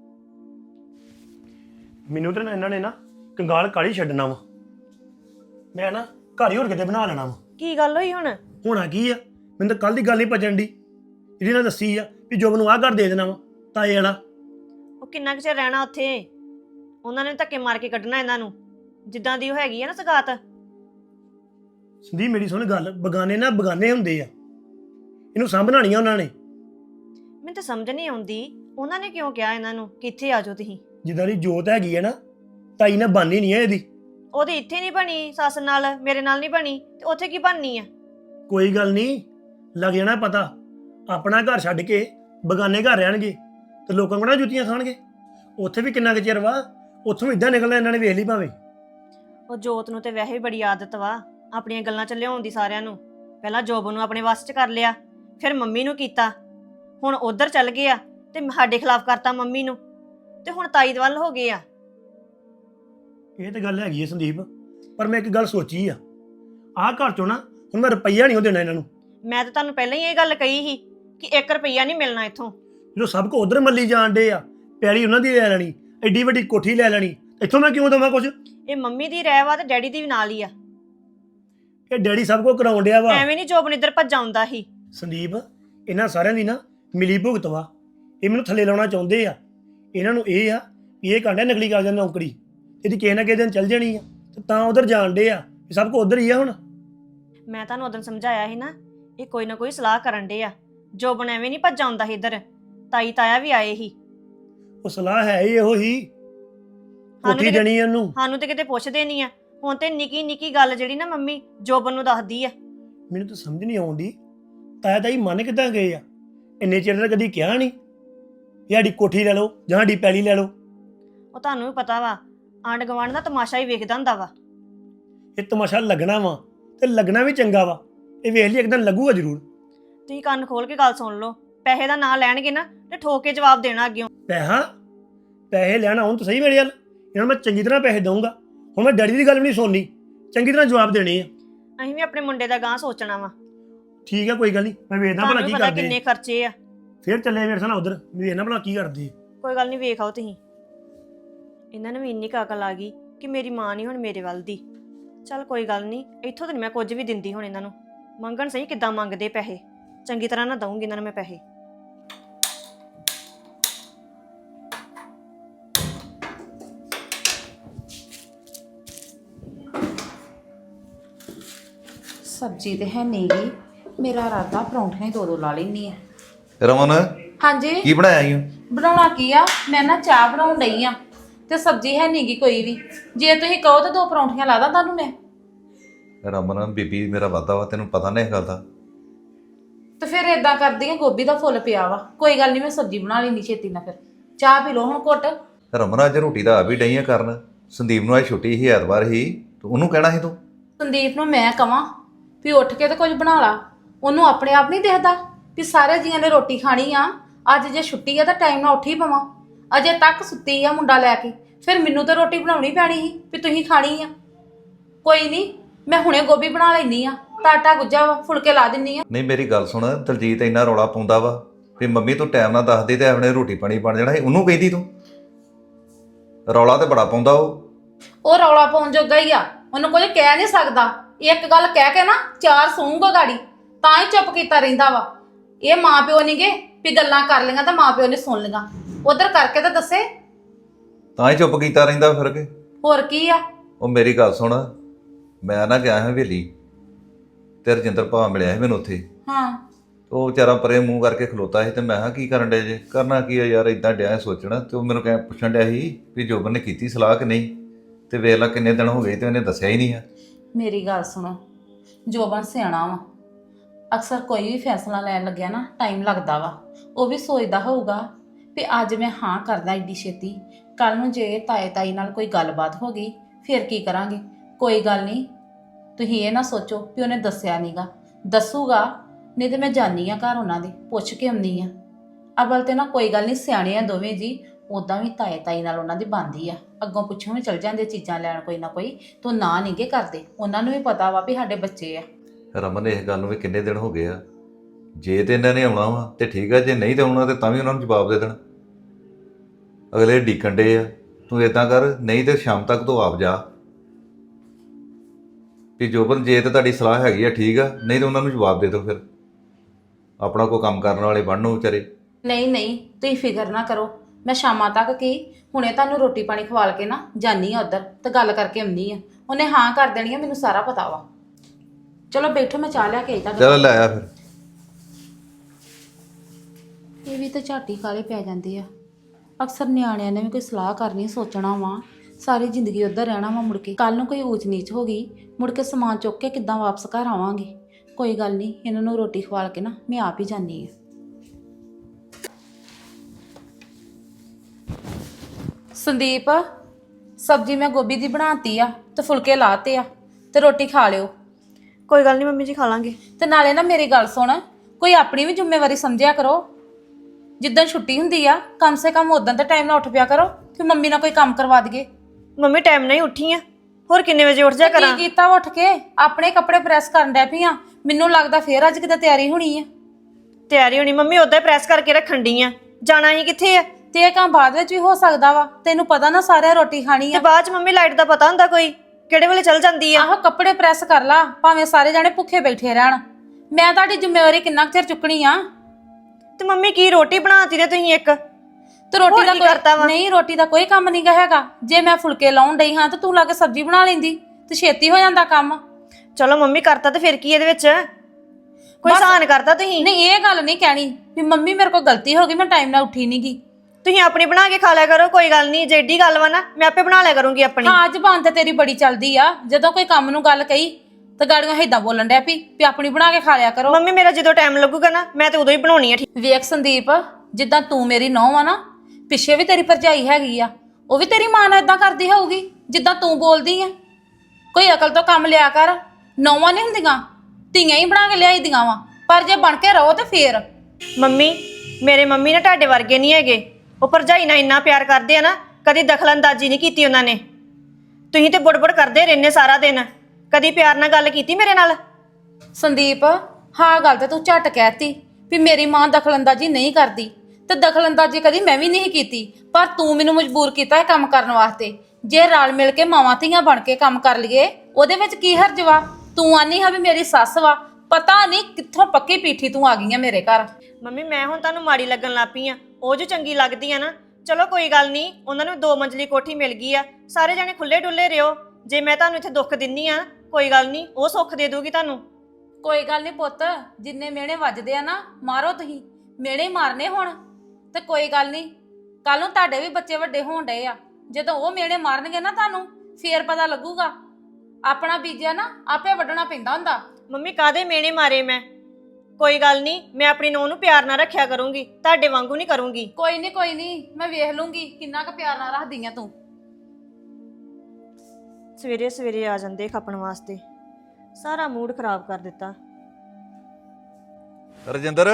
[SPEAKER 7] ਮੈਨੂੰ ਤਾਂ ਇਹਨਾਂ ਨੇ ਨਾ ਕੰਗਾਲ ਕਾਲੀ ਛੱਡਣਾ ਵਾ, ਮੈਂ ਨਾ ਘਰ ਹੀ ਹੋਰ ਕਿਤੇ ਬਣਾ ਲੈਣਾ ਵਾ।
[SPEAKER 6] ਕੀ ਗੱਲ ਹੋਈ ਹੁਣ?
[SPEAKER 7] ਹੋਣਾ ਕੀ ਆ, ਮੈਨੂੰ ਤਾਂ ਕੱਲ ਦੀ ਗੱਲ ਹੀ ਭਜਣ ਦੀ, ਇਹਦੀ ਨਾਲ ਦੱਸੀ ਆ ਵੀ ਜੋਬ ਨੂੰ ਆਹ ਘਰ ਦੇ ਦੇਣਾ ਵਾ ਤਾਏ ਵਾਲਾ।
[SPEAKER 6] ਉਹ ਕਿੰਨਾ ਕੁ ਚਿਰ ਰਹਿਣਾ ਉੱਥੇ? ਉਹਨਾਂ ਨੇ ਧੱਕੇ ਮਾਰ ਕੇ ਕੱਢਣਾ ਇਹਨਾਂ ਨੂੰ, ਜਿੱਦਾਂ ਦੀ ਉਹ ਹੈਗੀ ਆ ਨਾ ਸਗਾਤ।
[SPEAKER 7] ਸੰਦੀਪ ਮੇਰੀ ਸੁਣ ਗੱਲ, ਬਗਾਨੇ ਨਾ ਬਗਾਨੇ ਹੁੰਦੇ ਆ, ਇਹਨੂੰ ਸਾਂਭਣਾ ਨਹੀਂ ਆ ਉਹਨਾਂ ਨੇ।
[SPEAKER 6] ਮੈਨੂੰ ਤਾਂ ਸਮਝ ਨਹੀਂ ਆਉਂਦੀ, ਉਹਨਾਂ ਨੇ ਕਿਉਂ ਕਿਹਾ ਇਹਨਾਂ ਨੂੰ ਕਿ ਇੱਥੇ ਆ ਜਾਓ ਤੁਸੀਂ?
[SPEAKER 7] ਜਿੱਦਾਂ ਦੀ ਜੋਤ ਹੈਗੀ ਹੈ ਨਾ, ਤਾਈ ਨਾਲ ਬਣਨੀ ਨਹੀਂ ਹੈ ਇਹਦੀ।
[SPEAKER 6] ਉਹਦੀ ਇੱਥੇ ਨਹੀਂ ਬਣੀ ਸੱਸ ਨਾਲ, ਮੇਰੇ ਨਾਲ ਨਹੀਂ ਬਣੀ, ਤੇ ਉੱਥੇ ਕੀ ਬਣਨੀ ਆ?
[SPEAKER 7] ਕੋਈ ਗੱਲ ਨਹੀਂ, ਲੱਗ ਜਾਣਾ ਪਤਾ। ਆਪਣਾ ਘਰ ਛੱਡ ਕੇ ਬਗਾਨੇ ਘਰ ਰਹਿਣਗੇ ਤੇ ਲੋਕਾਂ ਕੋਲ ਨਾ ਜੁੱਤੀਆਂ ਖਾਣਗੇ। ਉੱਥੇ ਵੀ ਕਿੰਨਾ ਕੁ ਚਿਰ ਵਾ, ਉੱਥੋਂ ਇਦਾਂ ਨਿਕਲਣਾ ਇਹਨਾਂ ਨੇ ਵੇਖ ਲਈ ਭਾਵੇਂ।
[SPEAKER 6] ਉਹ ਜੋਤ ਨੂੰ ਤੇ ਵੈਸੇ ਵੀ ਬੜੀ ਆਦਤ ਵਾ ਆਪਣੀਆਂ ਗੱਲਾਂ ਚ ਲਿਆਉਣ ਦੀ ਸਾਰਿਆਂ ਨੂੰ। ਪਹਿਲਾਂ ਜੋਬ ਨੂੰ ਆਪਣੇ ਵੱਸ ਚ ਕਰ ਲਿਆ, ਫਿਰ ਮੰਮੀ ਨੂੰ ਕੀਤਾ, ਹੁਣ ਉਧਰ ਚੱਲ ਗਏ ਆ ਤੇ ਸਾਡੇ ਖਿਲਾਫ ਕਰਤਾ ਮੰਮੀ ਨੂੰ, ਤੇ ਹੁਣ ਤਾਈ ਦੇ ਵੱਲ ਹੋ ਗਏ ਆ।
[SPEAKER 7] ਇਹ ਤੇ ਗੱਲ ਹੈਗੀ ਹੈ ਸੰਦੀਪ, ਪਰ ਮੈਂ ਇੱਕ ਗੱਲ ਸੋਚੀ ਆ, ਆਹ ਘਰ ਚੋਂ ਨਾ ਹੁਣ ਮੈਂ ਰੁਪਈਆ ਨਹੀਂ ਉਹ ਦੇਣਾ ਇਹਨਾਂ ਨੂੰ।
[SPEAKER 6] ਮੈਂ ਤਾਂ ਤੁਹਾਨੂੰ ਪਹਿਲਾਂ ਹੀ ਇਹ ਗੱਲ ਕਹੀ ਸੀ ਕਿ ਇੱਕ ਰੁਪਈਆ ਨਹੀਂ ਮਿਲਣਾ ਇੱਥੋਂ।
[SPEAKER 7] ਜਦੋਂ ਸਭ ਕੋ ਉਧਰ ਮੱਲੀ ਜਾਣ ਡੇ ਆ, ਪੈਲੀ ਉਹਨਾਂ ਦੀ ਲੈ ਲੈਣੀ, ਐਡੀ ਵੱਡੀ ਕੋਠੀ ਲੈ ਲੈਣੀ, ਇੱਥੋਂ ਮੈਂ ਕਿਉਂ ਦੇਵਾਂ ਕੁਝ?
[SPEAKER 6] ਇਹ ਮੰਮੀ ਦੀ ਰਹਿ ਵਾ ਤੇ ਡੈਡੀ ਦੀ ਵੀ ਨਾਲ ਹੀ ਆ।
[SPEAKER 7] ਇਹ ਡੈਡੀ ਸਭ ਕੋ ਕਰਾਉਣ ਡਿਆ ਵਾ।
[SPEAKER 6] ਐਵੇਂ ਨਹੀਂ ਜੋਬ ਨੂੰ ਇੱਧਰ ਭੱਜ ਆਉਂਦਾ ਸੀ।
[SPEAKER 7] ਸੰਦੀਪ ਇਹਨਾਂ ਸਾਰਿਆਂ ਦੀ ਨਾ ਮਿਲੀ ਭੁਗਤ ਵਾ, ਇਹ ਮੈਨੂੰ ਥੱਲੇ ਲਾਉਣਾ ਚਾਹੁੰਦੇ ਆ। ਇਹਨਾਂ ਨੂੰ ਇਹ ਆ ਵੀ ਇਹ ਕਾਂਡਿਆ ਨਕਲੀ ਕਰ ਜਾਂਦਾ ਨੌਕਰੀ, ਇਹਦੀ ਕਿਸੇ ਨਾ ਕਿਸੇ ਦਿਨ ਚੱਲ ਜਾਣੀ ਆ, ਤੇ ਤਾਂ ਉਧਰ ਜਾਣ ਡੇ ਆ, ਸਭ ਕੋ ਉਧਰ ਹੀ ਆ। ਹੁਣ
[SPEAKER 6] ਮੈਂ ਤੁਹਾਨੂੰ ਉਦੋਂ ਸਮਝਾਇਆ ਸੀ ਨਾ, ਇਹ ਕੋਈ ਨਾ ਕੋਈ ਸਲਾਹ ਕਰਨ ਡੇ ਆ। ਜੋਬ ਨੂੰ ਐਵੇਂ ਨਹੀਂ ਭੱਜ ਆਉਂਦਾ ਸੀ ਇੱਧਰ, ਤਾਈ ਤਾਇਆ ਵੀ ਆਏ ਸੀ।
[SPEAKER 7] ਉਹ ਸਲਾਹ ਹੈ ਹੀ ਇਹੋ ਹੀ, ਕੋਠੀ
[SPEAKER 6] ਤੇ-
[SPEAKER 7] ਦੇਣੀ ਇਹਨੂੰ।
[SPEAKER 6] ਸਾਨੂੰ ਤੇ ਕਿਤੇ ਪੁੱਛਦੇ ਨਹੀਂ ਆ। ਹੁਣ ਤੇ ਨਿੱਕੀ ਨਿੱਕੀ ਗੱਲ ਜਿਹੜੀ ਨਾ ਮੰਮੀ ਜੋਬਨ ਨੂੰ ਦੱਸਦੀ ਆ।
[SPEAKER 7] ਮੈਨੂੰ ਤਾਂ ਸਮਝ ਨਹੀਂ ਆਉਂਦੀ ਤਾਇਆ ਤਾਈ ਮੰਨ ਕਿੱਦਾਂ ਗਏ ਆ? ਇੰਨੇ ਚਿਰ ਦਾ ਕਦੀ ਕਿਹਾ ਨਹੀਂ ਵੀ ਸਾਡੀ ਕੋਠੀ ਲੈ ਲਓ ਜਾਂ ਸਾਡੀ ਪੈਲੀ ਲੈ ਲਓ।
[SPEAKER 6] ਉਹ ਤੁਹਾਨੂੰ ਵੀ ਪਤਾ ਵਾ, ਆਂਢ ਗੁਆਂਢ ਦਾ ਤਮਾਸ਼ਾ ਹੀ ਵੇਖਦਾ ਹੁੰਦਾ ਵਾ।
[SPEAKER 7] ਇਹ ਤਮਾਸ਼ਾ ਲੱਗਣਾ ਵਾ ਤੇ ਲੱਗਣਾ ਵੀ ਚੰਗਾ ਵਾ, ਇਹ ਵੇਖ ਲਈ ਇੱਕ ਦਿਨ ਲੱਗੂਗਾ ਜ਼ਰੂਰ।
[SPEAKER 6] ਤੁਸੀਂ ਕੰਨ ਖੋਲ ਕੇ ਗੱਲ ਸੁਣ ਲਓ, ਪੈਸੇ ਦਾ ਨਾਂ ਲੈਣਗੇ ਨਾ ਤੇ ਠੋਕ ਕੇ ਜਵਾਬ ਦੇਣਾ ਅੱਗਿਓਂ।
[SPEAKER 7] ਪੈਸਾ ਪੈਸੇ ਲੈਣਾ ਹੁਣ ਤਾਂ ਸਹੀ ਮੇਰੇ ਵੱਲ, ਇਹਨਾਂ ਨੂੰ ਮੈਂ ਚੰਗੀ ਤਰ੍ਹਾਂ ਪੈਸੇ ਦਊਂਗਾ। ਹੁਣ ਮੈਂ ਡੈਡੀ ਦੀ ਗੱਲ ਵੀ ਨਹੀਂ ਸੁਣਨੀ, ਚੰਗੀ ਤਰ੍ਹਾਂ ਜਵਾਬ ਦੇਣੇ ਆ।
[SPEAKER 6] ਅਸੀਂ ਵੀ ਆਪਣੇ ਮੁੰਡੇ ਦਾ ਗਾਂ ਸੋਚਣਾ ਵਾ।
[SPEAKER 7] ਠੀਕ ਆ, ਕੋਈ ਗੱਲ ਨਹੀਂ, ਮੈਂ ਵੇਖਦਾ ਭਲਾ
[SPEAKER 6] ਤੁਹਾਨੂੰ
[SPEAKER 7] ਕੀ
[SPEAKER 6] ਵੀ ਪਤਾ
[SPEAKER 7] ਕਰਦੇ
[SPEAKER 6] ਕਿੰਨੇ
[SPEAKER 7] ਆ।
[SPEAKER 6] ਖਰਚੇ ਆ।
[SPEAKER 7] ਫਿਰ ਚੱਲੇ ਮੇਰੇ ਸਾਹ ਉਧਰ, ਵੇਖਣਾ ਭਲਾ ਕੀ ਕਰਦੇ ਆ।
[SPEAKER 6] ਕੋਈ ਗੱਲ ਨਹੀਂ, ਵੇਖ ਆਓ ਤੁਸੀਂ। ਇਹਨਾਂ ਨੂੰ ਵੀ ਇੰਨੀ ਕੁ ਅਕਲ ਆ ਗਈ ਕਿ ਮੇਰੀ ਮਾਂ ਨਹੀਂ ਹੁਣ ਮੇਰੇ ਵੱਲ ਦੀ। ਚੱਲ ਕੋਈ ਗੱਲ ਨਹੀਂ, ਇੱਥੋਂ ਤਾਂ ਨਹੀਂ ਮੈਂ ਕੁਝ ਵੀ ਦਿੰਦੀ ਹੁਣ ਇਹਨਾਂ ਨੂੰ। ਮੰਗਣ ਸਹੀ ਕਿੱਦਾਂ ਮੰਗਦੇ ਪੈਸੇ, ਚੰਗੀ ਤਰ੍ਹਾਂ ਨਾ ਦਊਂਗੀ ਇਹਨਾਂ ਨੂੰ ਮੈਂ ਪੈਸੇ।
[SPEAKER 3] ਸਬਜ਼ੀ ਤੇ ਹੈ ਨਹੀਂ ਗੀ, ਮੇਰਾ ਇਰਾਦਾ ਪਰੌਂਠੇ ਦੋ ਦੋ ਲਾ ਲੈਣੀ ਆ।
[SPEAKER 2] ਰਮਨ
[SPEAKER 3] ਹਾਂਜੀ
[SPEAKER 2] ਕੀ ਬਣਾਇਆ ਈ ਓ?
[SPEAKER 3] ਬਣਾਉਣਾ ਕੀ ਆ, ਮੈਂ ਨਾ ਚਾਹ ਬਣਾਉਣ ਡਈ ਆ ਤੇ ਸਬਜ਼ੀ ਹੈ ਨਹੀਂ ਗੀ ਕੋਈ ਵੀ। ਜੇ ਤੁਸੀਂ ਕਹੋ ਤਾਂ ਦੋ ਪਰੌਂਠੀਆਂ ਲਾ ਦਾਂ ਤੁਹਾਨੂੰ ਮੈਂ।
[SPEAKER 2] ਰਮਨ ਬੀਬੀ ਮੇਰਾ ਵਾਦਾ ਵਾ, ਤੈਨੂੰ ਪਤਾ ਨਹੀਂ ਗੱਲ ਦਾ।
[SPEAKER 3] ਤੇ ਫਿਰ ਇਦਾਂ ਕਰਦੀ ਆ, ਗੋਭੀ ਦਾ ਫੁੱਲ ਪਿਆ ਵਾ, ਕੋਈ ਗੱਲ ਨਹੀਂ ਮੈਂ ਸਬਜ਼ੀ ਬਣਾ ਲੈਣੀ ਛੇਤੀ ਨਾਲ। ਫਿਰ ਚਾਹ ਪੀ ਲਓ ਹੁਣ ਘੁੱਟ।
[SPEAKER 2] ਰਮਨ ਅੱਜ ਰੋਟੀ ਦਾ ਆ ਵੀ ਡਈਆਂ ਕਰਨ। ਸੰਦੀਪ ਨੂੰ ਅੱਜ ਛੁੱਟੀ ਸੀ, ਐਤਵਾਰ ਸੀ, ਤੂੰ ਉਹਨੂੰ ਕਹਿਣਾ ਸੀ ਤੂੰ।
[SPEAKER 3] ਸੰਦੀਪ ਨੂੰ ਮੈਂ ਕਵਾਂ ਵੀ ਉੱਠ ਕੇ ਤੇ ਕੁਝ ਬਣਾ ਲਾ, ਉਹਨੂੰ ਆਪਣੇ ਆਪ ਨਹੀਂ ਦਿਖਦਾ ਵੀ ਸਾਰੇ ਜੀਆਂ ਨੇ ਰੋਟੀ ਖਾਣੀ ਆ। ਅੱਜ ਜੇ ਛੁੱਟੀ ਆ ਤਾਂ ਟਾਈਮ ਨਾਲ ਉੱਠ ਹੀ ਪਵਾਂ। ਅਜੇ ਤੱਕ ਸੁੱਤੀ ਆ ਮੁੰਡਾ ਲੈ ਕੇ, ਫਿਰ ਮੈਨੂੰ ਤਾਂ ਰੋਟੀ ਬਣਾਉਣੀ ਪੈਣੀ ਸੀ ਵੀ ਤੁਸੀਂ ਖਾਣੀ ਆ। ਕੋਈ ਨਹੀਂ, ਮੈਂ ਹੁਣੇ ਗੋਭੀ ਬਣਾ ਲੈਣੀ ਆ, ਟਾਟਾ ਗੁੱਜਾ ਵਾ, ਫੁਲਕੇ ਲਾ ਦਿੰਨੀ ਆ।
[SPEAKER 2] ਨਹੀਂ ਮੇਰੀ ਗੱਲ ਸੁਣ, ਦਲਜੀਤ ਇੰਨਾ ਰੌਲਾ ਪਾਉਂਦਾ ਵਾ ਵੀ ਮੰਮੀ ਤੂੰ ਟਾਈਮ ਨਾਲ ਦੱਸਦੀ ਤੇ ਆਪਣੇ ਰੋਟੀ ਪਾਣੀ ਬਣ ਜਾਣਾ ਸੀ, ਉਹਨੂੰ ਕਹਿੰਦੀ ਤੂੰ। ਰੌਲਾ ਤੇ ਬੜਾ ਪਾਉਂਦਾ ਉਹ।
[SPEAKER 3] ਉਹ ਰੌਲਾ ਪਾਉਣ ਜੋਗਾ ਹੀ ਆ, ਉਹਨੂੰ ਕੁਝ ਕਹਿ ਨਹੀਂ ਸਕਦਾ। ਇੱਕ ਗੱਲ ਕਹਿ ਕੇ ਨਾ ਚਾਰ ਸੂੰਗਾ ਗਾੜੀ, ਤਾਂ ਹੀ ਚੁੱਪ ਕੀਤਾ ਰਹਿੰਦਾ ਵਾ। ਇਹ ਮਾਂ ਪਿਓ ਨਹੀਂਗੇ ਵੀ ਗੱਲਾਂ ਕਰ ਲਈਆਂ ਤਾਂ ਮਾਂ ਪਿਓ ਨੇ ਸੁਣ ਲਈਆਂ, ਉਧਰ ਕਰਕੇ ਤਾਂ ਦੱਸੇ।
[SPEAKER 2] ਤਾਂ ਹੀ ਚੁੱਪ ਕੀਤਾ ਰਹਿੰਦਾ ਫਿਰ ਕੇ।
[SPEAKER 3] ਹੋਰ ਕੀ ਆ?
[SPEAKER 2] ਉਹ ਮੇਰੀ ਗੱਲ ਸੁਣ, ਮੈਂ ਨਾ ਗਿਆ ਹਾਂ ਹਵੇਲੀ ਤੇ ਰਜਿੰਦਰ ਭਾ ਮਿਲਿਆ ਸੀ ਮੈਨੂੰ ਉੱਥੇ।
[SPEAKER 3] ਹਾਂ,
[SPEAKER 2] ਉਹ ਵਿਚਾਰਾ ਪਰੇ ਮੂੰਹ ਕਰਕੇ ਖਲੋਤਾ ਸੀ ਤੇ ਮੈਂ ਕਿਹਾ ਕੀ ਕਰਨ ਡੇ ਜੇ? ਕਰਨਾ ਕੀ ਆ ਯਾਰ, ਇਦਾਂ ਡਿਆ ਸੋਚਣਾ। ਤੇ ਉਹ ਮੈਨੂੰ ਕਹਿ ਪੁੱਛਣ ਡਿਆ ਸੀ ਵੀ ਜੋਬਨ ਨੇ ਕੀਤੀ ਸਲਾਹ ਕਿ ਨਹੀਂ, ਤੇ ਵੇਖ ਲਾ ਕਿੰਨੇ ਦਿਨ ਹੋ ਗਏ ਤੇ ਉਹਨੇ ਦੱਸਿਆ ਹੀ ਨਹੀਂ ਆ।
[SPEAKER 3] ਮੇਰੀ ਗੱਲ ਸੁਣੋ, ਜੋਬਨ ਸਿਆਣਾ ਵਾ। ਅਕਸਰ ਕੋਈ ਵੀ ਫੈਸਲਾ ਲੈਣ ਲੱਗਿਆ ਨਾ ਟਾਈਮ ਲੱਗਦਾ ਵਾ। ਉਹ ਵੀ ਸੋਚਦਾ ਹੋਊਗਾ ਵੀ ਅੱਜ ਮੈਂ ਹਾਂ ਕਰਦਾ ਏਡੀ ਛੇਤੀ, ਕੱਲ ਨੂੰ ਜੇ ਤਾਏ ਤਾਈ ਨਾਲ ਕੋਈ ਗੱਲਬਾਤ ਹੋ ਗਈ ਫਿਰ ਕੀ ਕਰਾਂਗੇ। ਕੋਈ ਗੱਲ ਨਹੀਂ, ਤੁਸੀਂ ਇਹ ਨਾ ਸੋਚੋ ਵੀ ਉਹਨੇ ਦੱਸਿਆ ਨਹੀਂਗਾ, ਦੱਸੂਗਾ। ਨਹੀਂ ਤੇ ਮੈਂ ਜਾਣੀ ਆ ਘਰ ਉਹਨਾਂ ਦੇ, ਪੁੱਛ ਕੇ ਆਉਂਦੀ ਆ। ਅਵਲ ਤੇ ਨਾ ਕੋਈ ਗੱਲ ਨਹੀਂ, ਸਿਆਣੇ ਆ ਦੋਵੇਂ ਜੀ। ਉਦਾਂ ਵੀ ਤਾਏ ਤਾਈ ਨਾਲ ਉਹਨਾਂ ਦੀ ਬਣਦੀ ਆ, ਅੱਗੋਂ ਪਿੱਛੋਂ ਵੀ ਚਲ ਜਾਂਦੇ ਚੀਜ਼ਾਂ ਲੈਣ ਕੋਈ ਨਾ ਕੋਈ, ਤੋਂ ਨਾ ਨਹੀਂਗੇ ਕਰਦੇ। ਉਹਨਾਂ ਨੂੰ ਵੀ ਪਤਾ ਵਾ ਵੀ ਸਾਡੇ ਬੱਚੇ ਆ।
[SPEAKER 2] ਰਮਨ ਇਸ ਗੱਲ ਨੂੰ ਵੀ ਕਿੰਨੇ ਦਿਨ ਹੋ ਗਏ ਆ। ਜੇ ਤੇ ਇਹਨਾਂ ਨੇ ਆਉਣਾ ਵਾ ਤੇ ਠੀਕ ਆ, ਜੇ ਨਹੀਂ ਤੇ ਆਉਣਾ ਤੇ ਤਾਂ ਵੀ ਉਹਨਾਂ ਨੂੰ ਜਵਾਬ ਦੇ ਦੇਣ। ਅਗਲੇ ਡੀਕਣ ਡੇ ਆ। ਤੂੰ ਇਦਾਂ ਕਰ, ਨਹੀਂ ਤੇ ਸ਼ਾਮ ਤੱਕ ਤੂੰ ਆਪ ਜਾ ਵੀ ਜੋਬਨ ਜੇ ਤੇ ਤੁਹਾਡੀ ਸਲਾਹ ਹੈਗੀ ਆ ਠੀਕ ਆ, ਨਹੀਂ ਤੇ ਉਹਨਾਂ ਨੂੰ ਜਵਾਬ ਦੇ ਦਿਓ। ਫਿਰ ਆਪਣਾ ਕੋਈ ਕੰਮ ਕਰਨ ਵਾਲੇ ਬਣਨੋਂ ਵਿਚਾਰੇ।
[SPEAKER 3] ਨਹੀਂ ਨਹੀਂ, ਤੁਸੀਂ ਫਿਕਰ ਨਾ ਕਰੋ, ਮੈਂ ਸ਼ਾਮਾਂ ਤੱਕ ਕੀ ਹੁਣੇ ਤੁਹਾਨੂੰ ਰੋਟੀ ਪਾਣੀ ਖਵਾਲ ਕੇ ਨਾ ਜਾਨੀ ਆ ਉੱਧਰ ਤੇ ਗੱਲ ਕਰਕੇ ਆਉਂਦੀ ਆ। ਉਹਨੇ ਹਾਂ ਕਰ ਦੇਣੀ ਆ, ਮੈਨੂੰ ਸਾਰਾ ਪਤਾ ਵਾ। ਚਲੋ ਬੈਠੋ, ਮੈਂ ਚਾਹ ਲਿਆ ਕੇ ਆਈ ਤਾਂ।
[SPEAKER 2] ਚੱਲ ਲੈ ਆ ਫਿਰ।
[SPEAKER 3] ਇਹ ਵੀ ਤਾਂ ਝਾਟੀ ਕਾਲੇ ਪੈ ਜਾਂਦੇ ਆ। ਅਕਸਰ ਨਿਆਣਿਆਂ ਨੇ ਵੀ ਕੋਈ ਸਲਾਹ ਕਰਨੀ, ਸੋਚਣਾ ਵਾ, ਸਾਰੀ ਜ਼ਿੰਦਗੀ ਉੱਧਰ ਰਹਿਣਾ ਵਾ। ਮੁੜ ਕੇ ਕੱਲ ਨੂੰ ਕੋਈ ਊਚ ਨੀਚ ਹੋ ਗਈ, ਮੁੜ ਕੇ ਸਮਾਨ ਚੁੱਕ ਕੇ ਕਿੱਦਾਂ ਵਾਪਸ ਘਰ ਆਵਾਂਗੇ। ਕੋਈ ਗੱਲ ਨਹੀਂ, ਇਹਨਾਂ ਨੂੰ ਰੋਟੀ ਖਵਾਲ ਕੇ ਨਾ ਮੈਂ ਆਪ ਹੀ ਜਾਨੀ ਆ। ਸੰਦੀਪ, ਸਬਜ਼ੀ ਮੈਂ ਗੋਭੀ ਦੀ ਬਣਾਤੀ ਆ ਤੇ ਫੁਲਕੇ ਲਾਤੇ ਆ ਤੇ ਰੋਟੀ ਖਾ ਲਿਓ।
[SPEAKER 6] ਕੋਈ ਗੱਲ ਨਹੀਂ ਮੰਮੀ ਜੀ, ਖਾ ਲਾਂਗੇ।
[SPEAKER 3] ਤੇ ਨਾਲੇ ਨਾ ਮੇਰੀ ਗੱਲ ਸੁਣ, ਕੋਈ ਆਪਣੀ ਵੀ ਜ਼ਿੰਮੇਵਾਰੀ ਸਮਝਿਆ ਕਰੋ। ਜਿੱਦਾਂ ਛੁੱਟੀ ਹੁੰਦੀ ਆ ਕਮ ਸੇ ਕਮ ਉਦੋਂ ਤਾਂ ਟਾਈਮ ਨਾਲ ਉੱਠ ਪਿਆ ਕਰੋ ਕਿ ਮੰਮੀ ਨਾਲ ਕੋਈ ਕੰਮ ਕਰਵਾ ਦਈਏ।
[SPEAKER 6] ਮੰਮੀ ਟਾਈਮ ਨਾਲ ਹੀ ਉੱਠੀ ਆ, ਹੋਰ ਕਿੰਨੇ ਵਜੇ ਉੱਠ ਜਾ
[SPEAKER 3] ਕੀ
[SPEAKER 6] ਕਰਾਂ?
[SPEAKER 3] ਕੀਤਾ ਵਾ ਉੱਠ ਕੇ? ਆਪਣੇ ਕੱਪੜੇ ਪ੍ਰੈਸ ਕਰਨ ਡੈ ਪਈ ਆ। ਮੈਨੂੰ ਲੱਗਦਾ ਫੇਰ ਅੱਜ ਕਿਤੇ ਤਿਆਰੀ ਹੋਣੀ ਆ।
[SPEAKER 6] ਤਿਆਰੀ ਹੋਣੀ ਮੰਮੀ, ਉਦਾਂ ਹੀ ਪ੍ਰੈਸ ਕਰਕੇ ਰੱਖਣ ਡਈ ਆ। ਜਾਣਾ ਹੀ ਕਿੱਥੇ ਆ?
[SPEAKER 3] ਤੇ ਇਹ ਕੰਮ ਬਾਅਦ ਵਿੱਚ ਵੀ ਹੋ ਸਕਦਾ ਵਾ, ਤੈਨੂੰ ਪਤਾ ਨਾ ਸਾਰਿਆਂ ਰੋਟੀ ਖਾਣੀ
[SPEAKER 6] ਤੇ
[SPEAKER 3] ਆ।
[SPEAKER 6] ਬਾਅਦ ਚ ਮੰਮੀ ਲਾਈਟ ਦਾ ਪਤਾ ਹੁੰਦਾ ਕੋਈ ਕਿਹੜੇ ਵੇਲੇ ਚੱਲ ਜਾਂਦੀ ਆ?
[SPEAKER 3] ਆਹੋ ਕੱਪੜੇ ਪ੍ਰੈਸ ਕਰ ਲਾ, ਭਾਵੇਂ ਸਾਰੇ ਜਾਣੇ ਭੁੱਖੇ ਬੈਠੇ ਰਹਿਣ। ਮੈਂ ਤੁਹਾਡੀ ਜ਼ਿੰਮੇਵਾਰੀ ਕਿੰਨਾ ਕੁ ਚਿਰ ਚੁੱਕਣੀ ਆ?
[SPEAKER 6] ਤੇ ਮੰਮੀ ਕੀ ਰੋਟੀ ਬਣਾਤੀ ਨੇ ਤੁਸੀਂ ਇੱਕ?
[SPEAKER 3] ਤੇ ਰੋਟੀ
[SPEAKER 6] ਹੋਰ
[SPEAKER 3] ਦਾ
[SPEAKER 6] ਕੀ ਕਰਤਾ ਵਾ?
[SPEAKER 3] ਕੋਈ ਨਹੀਂ, ਰੋਟੀ ਦਾ ਕੋਈ ਕੰਮ ਨਹੀਂਗਾ ਹੈਗਾ। ਜੇ ਮੈਂ ਫੁਲਕੇ ਲਾਉਣ ਡਈ ਹਾਂ ਤਾਂ ਤੂੰ ਲਾ ਕੇ ਸਬਜ਼ੀ ਬਣਾ ਲੈਂਦੀ ਤੇ ਛੇਤੀ ਹੋ ਜਾਂਦਾ ਕੰਮ।
[SPEAKER 6] ਚਲੋ ਮੰਮੀ ਕਰਤਾ ਤੇ ਫਿਰ ਕੀ ਇਹਦੇ ਵਿੱਚ? ਕੋਈ ਆਸਾਨ ਕਰਤਾ ਤੁਸੀਂ?
[SPEAKER 3] ਨਹੀਂ ਇਹ ਗੱਲ ਨਹੀਂ ਕਹਿਣੀ ਵੀ ਮੰਮੀ ਮੇਰੇ ਕੋਲ ਗਲਤੀ ਹੋ ਗਈ, ਮੈਂ ਟਾਈਮ ਨਾਲ ਉੱਠੀ ਨਹੀਂਗੀ।
[SPEAKER 6] ਤੁਸੀਂ ਆਪਣੀ ਬਣਾ ਕੇ ਖਾ ਲਿਆ ਕਰੋ, ਕੋਈ ਗੱਲ ਨਹੀਂ। ਜੇ ਏਡੀ ਗੱਲ ਵਾ ਨਾ, ਮੈਂ ਆਪੇ ਬਣਾ ਲਿਆ ਕਰੂੰਗੀ ਆਪਣੀ।
[SPEAKER 3] ਹਾਂ ਜ਼ਬਾਨ ਤੇ ਤੇਰੀ ਬੜੀ ਚੱਲਦੀ ਆ, ਜਦੋਂ ਕੋਈ ਕੰਮ ਨੂੰ ਗੱਲ ਕਹੀ ਤੇ ਗਾੜੀਆਂ ਏਦਾਂ ਬੋਲਣ ਡੈ ਪਈ ਵੀ ਆਪਣੀ ਬਣਾ ਕੇ ਖਾ ਲਿਆ ਕਰੋ।
[SPEAKER 6] ਮੰਮੀ ਮੇਰਾ ਜਦੋਂ ਟਾਈਮ ਲੱਗੂਗਾ ਨਾ, ਮੈਂ ਤੇ ਉਦੋਂ ਹੀ ਬਣਾਉਣੀ ਆ। ਠੀਕ?
[SPEAKER 3] ਵੇਖ ਸੰਦੀਪ, ਜਿੱਦਾਂ ਤੂੰ ਮੇਰੀ ਨੂੰਹ ਆ ਨਾ, ਪਿੱਛੇ ਵੀ ਤੇਰੀ ਭਰਜਾਈ ਹੈਗੀ ਆ, ਉਹ ਵੀ ਤੇਰੀ ਮਾਂ ਨਾਲ ਏਦਾਂ ਕਰਦੀ ਹੋਊਗੀ ਜਿੱਦਾਂ ਤੂੰ ਬੋਲਦੀ ਆ। ਕੋਈ ਅਕਲ ਤੋਂ ਕੰਮ ਲਿਆ ਕਰ। ਨੌਵਾਂ ਨਹੀਂ ਹੁੰਦੀਆਂ, ਧੀਆਂ ਹੀ ਬਣਾ ਕੇ ਲਿਆਈ ਦੀਆਂ ਵਾ, ਪਰ ਜੇ ਬਣ ਕੇ ਰਹੋ ਤੇ ਫੇਰ।
[SPEAKER 6] ਮੰਮੀ ਮੇਰੇ ਮੰਮੀ ਨਾ ਤੁਹਾਡੇ ਵਰਗੇ ਨਹੀਂ ਹੈਗੇ। ਉਹ ਭਰਜਾਈ ਨਾਲ ਇੰਨਾ ਪਿਆਰ ਕਰਦੇ ਆ ਨਾ, ਕਦੀ ਦਖਲਅੰਦਾਜ਼ੀ ਨਹੀਂ ਕੀਤੀ ਉਹਨਾਂ ਨੇ। ਤੁਸੀਂ ਤੇ ਬੁੜਬੁੜ ਕਰਦੇ ਰਹਿੰਦੇ ਸਾਰਾ ਦਿਨ, ਕਦੀ ਪਿਆਰ ਨਾਲ ਗੱਲ ਕੀਤੀ ਮੇਰੇ ਨਾਲ?
[SPEAKER 3] ਸੰਦੀਪ ਹਾਂ ਗੱਲ ਤੇ ਤੂੰ ਝੱਟ ਕਹਿਤੀ ਵੀ ਮੇਰੀ ਮਾਂ ਦਖਲਅੰਦਾਜ਼ੀ ਨਹੀਂ ਕਰਦੀ, ਤੇ ਦਖਲਅੰਦਾਜ਼ੀ ਕਦੀ ਮੈਂ ਵੀ ਨਹੀਂ ਕੀਤੀ, ਪਰ ਤੂੰ ਮੈਨੂੰ ਮਜਬੂਰ ਕੀਤਾ ਇਹ ਕੰਮ ਕਰਨ ਵਾਸਤੇ। ਜੇ ਰਲ ਮਿਲ ਕੇ ਮਾਵਾਂ ਧੀਆਂ ਬਣ ਕੇ ਕੰਮ ਕਰ ਲਈਏ ਉਹਦੇ ਵਿੱਚ ਕੀ ਹਰਜ ਵਾ? ਤੂੰ ਆਨੀ ਹਾਂ ਵੀ ਮੇਰੀ ਸੱਸ ਵਾ, ਪਤਾ ਨਹੀਂ ਕਿੱਥੋਂ ਪੱਕੀ ਪੀਠੀ ਤੂੰ ਆ ਗਈ ਆ ਮੇਰੇ ਘਰ।
[SPEAKER 6] ਮੰਮੀ ਮੈਂ ਹੁਣ ਤੁਹਾਨੂੰ ਮਾੜੀ ਲੱਗਣ ਲੱਗ ਪਈ ਆ? ਉਹ ਜੋ ਚੰਗੀ ਲੱਗਦੀ ਆ ਨਾ, ਚਲੋ ਕੋਈ ਗੱਲ ਨਹੀਂ, ਉਹਨਾਂ ਨੂੰ ਦੋ ਮੰਜ਼ਲੀ ਕੋਠੀ ਮਿਲ ਗਈ ਆ, ਸਾਰੇ ਜਾਣੇ ਖੁੱਲੇ ਡੁੱਲੇ ਰਿਓ। ਜੇ ਮੈਂ ਤੁਹਾਨੂੰ ਇੱਥੇ ਦੁੱਖ ਦਿੰਨੀ ਆ, ਕੋਈ ਗੱਲ ਨਹੀਂ, ਉਹ ਸੁੱਖ ਦੇ ਦੂਗੀ ਤੁਹਾਨੂੰ।
[SPEAKER 3] ਕੋਈ ਗੱਲ ਨਹੀਂ ਪੁੱਤ, ਜਿੰਨੇ ਮਿਹਣੇ ਵੱਜਦੇ ਆ ਨਾ ਮਾਰੋ, ਤੁਸੀਂ ਮਿਹਣੇ ਮਾਰਨੇ ਹੁਣ। ਤੇ ਕੋਈ ਗੱਲ ਨਹੀਂ, ਕੱਲ ਨੂੰ ਤੁਹਾਡੇ ਵੀ ਬੱਚੇ ਵੱਡੇ ਹੋਣ ਡਏ ਆ, ਜਦੋਂ ਉਹ ਮਿਹਣੇ ਮਾਰਨਗੇ ਨਾ ਤੁਹਾਨੂੰ ਫੇਰ ਪਤਾ ਲੱਗੂਗਾ। ਆਪਣਾ ਬੀਜਿਆ ਨਾ ਆਪੇ ਵੱਢਣਾ ਪੈਂਦਾ ਹੁੰਦਾ।
[SPEAKER 6] ਮੰਮੀ ਕਾਦੇ ਮੇਨੇ ਮਾਰੇ ਮੈਂ? ਕੋਈ ਗੱਲ ਨਹੀਂ, ਮੈਂ ਆਪਣੀ ਨੂੰਹ ਨੂੰ ਪਿਆਰ ਨਾਲ ਰੱਖਿਆ ਕਰੂੰਗੀ, ਤੁਹਾਡੇ ਵਾਂਗੂ ਨਹੀਂ ਕਰੂੰਗੀ।
[SPEAKER 3] ਕੋਈ ਨਹੀਂ ਕੋਈ ਨਹੀਂ, ਮੈਂ ਵੇਖ ਲੂੰਗੀ ਕਿੰਨਾ ਕੁ ਪਿਆਰ ਨਾਲ ਰੱਖਦੀ ਆ ਤੂੰ।
[SPEAKER 6] ਸਵੇਰੇ ਸਵੇਰੇ ਆ ਜਾਂਦੇ ਖਪਣ ਵਾਸਤੇ, ਸਾਰਾ ਮੂਡ ਖਰਾਬ ਕਰ ਦਿੱਤਾ।
[SPEAKER 2] ਰਜਿੰਦਰ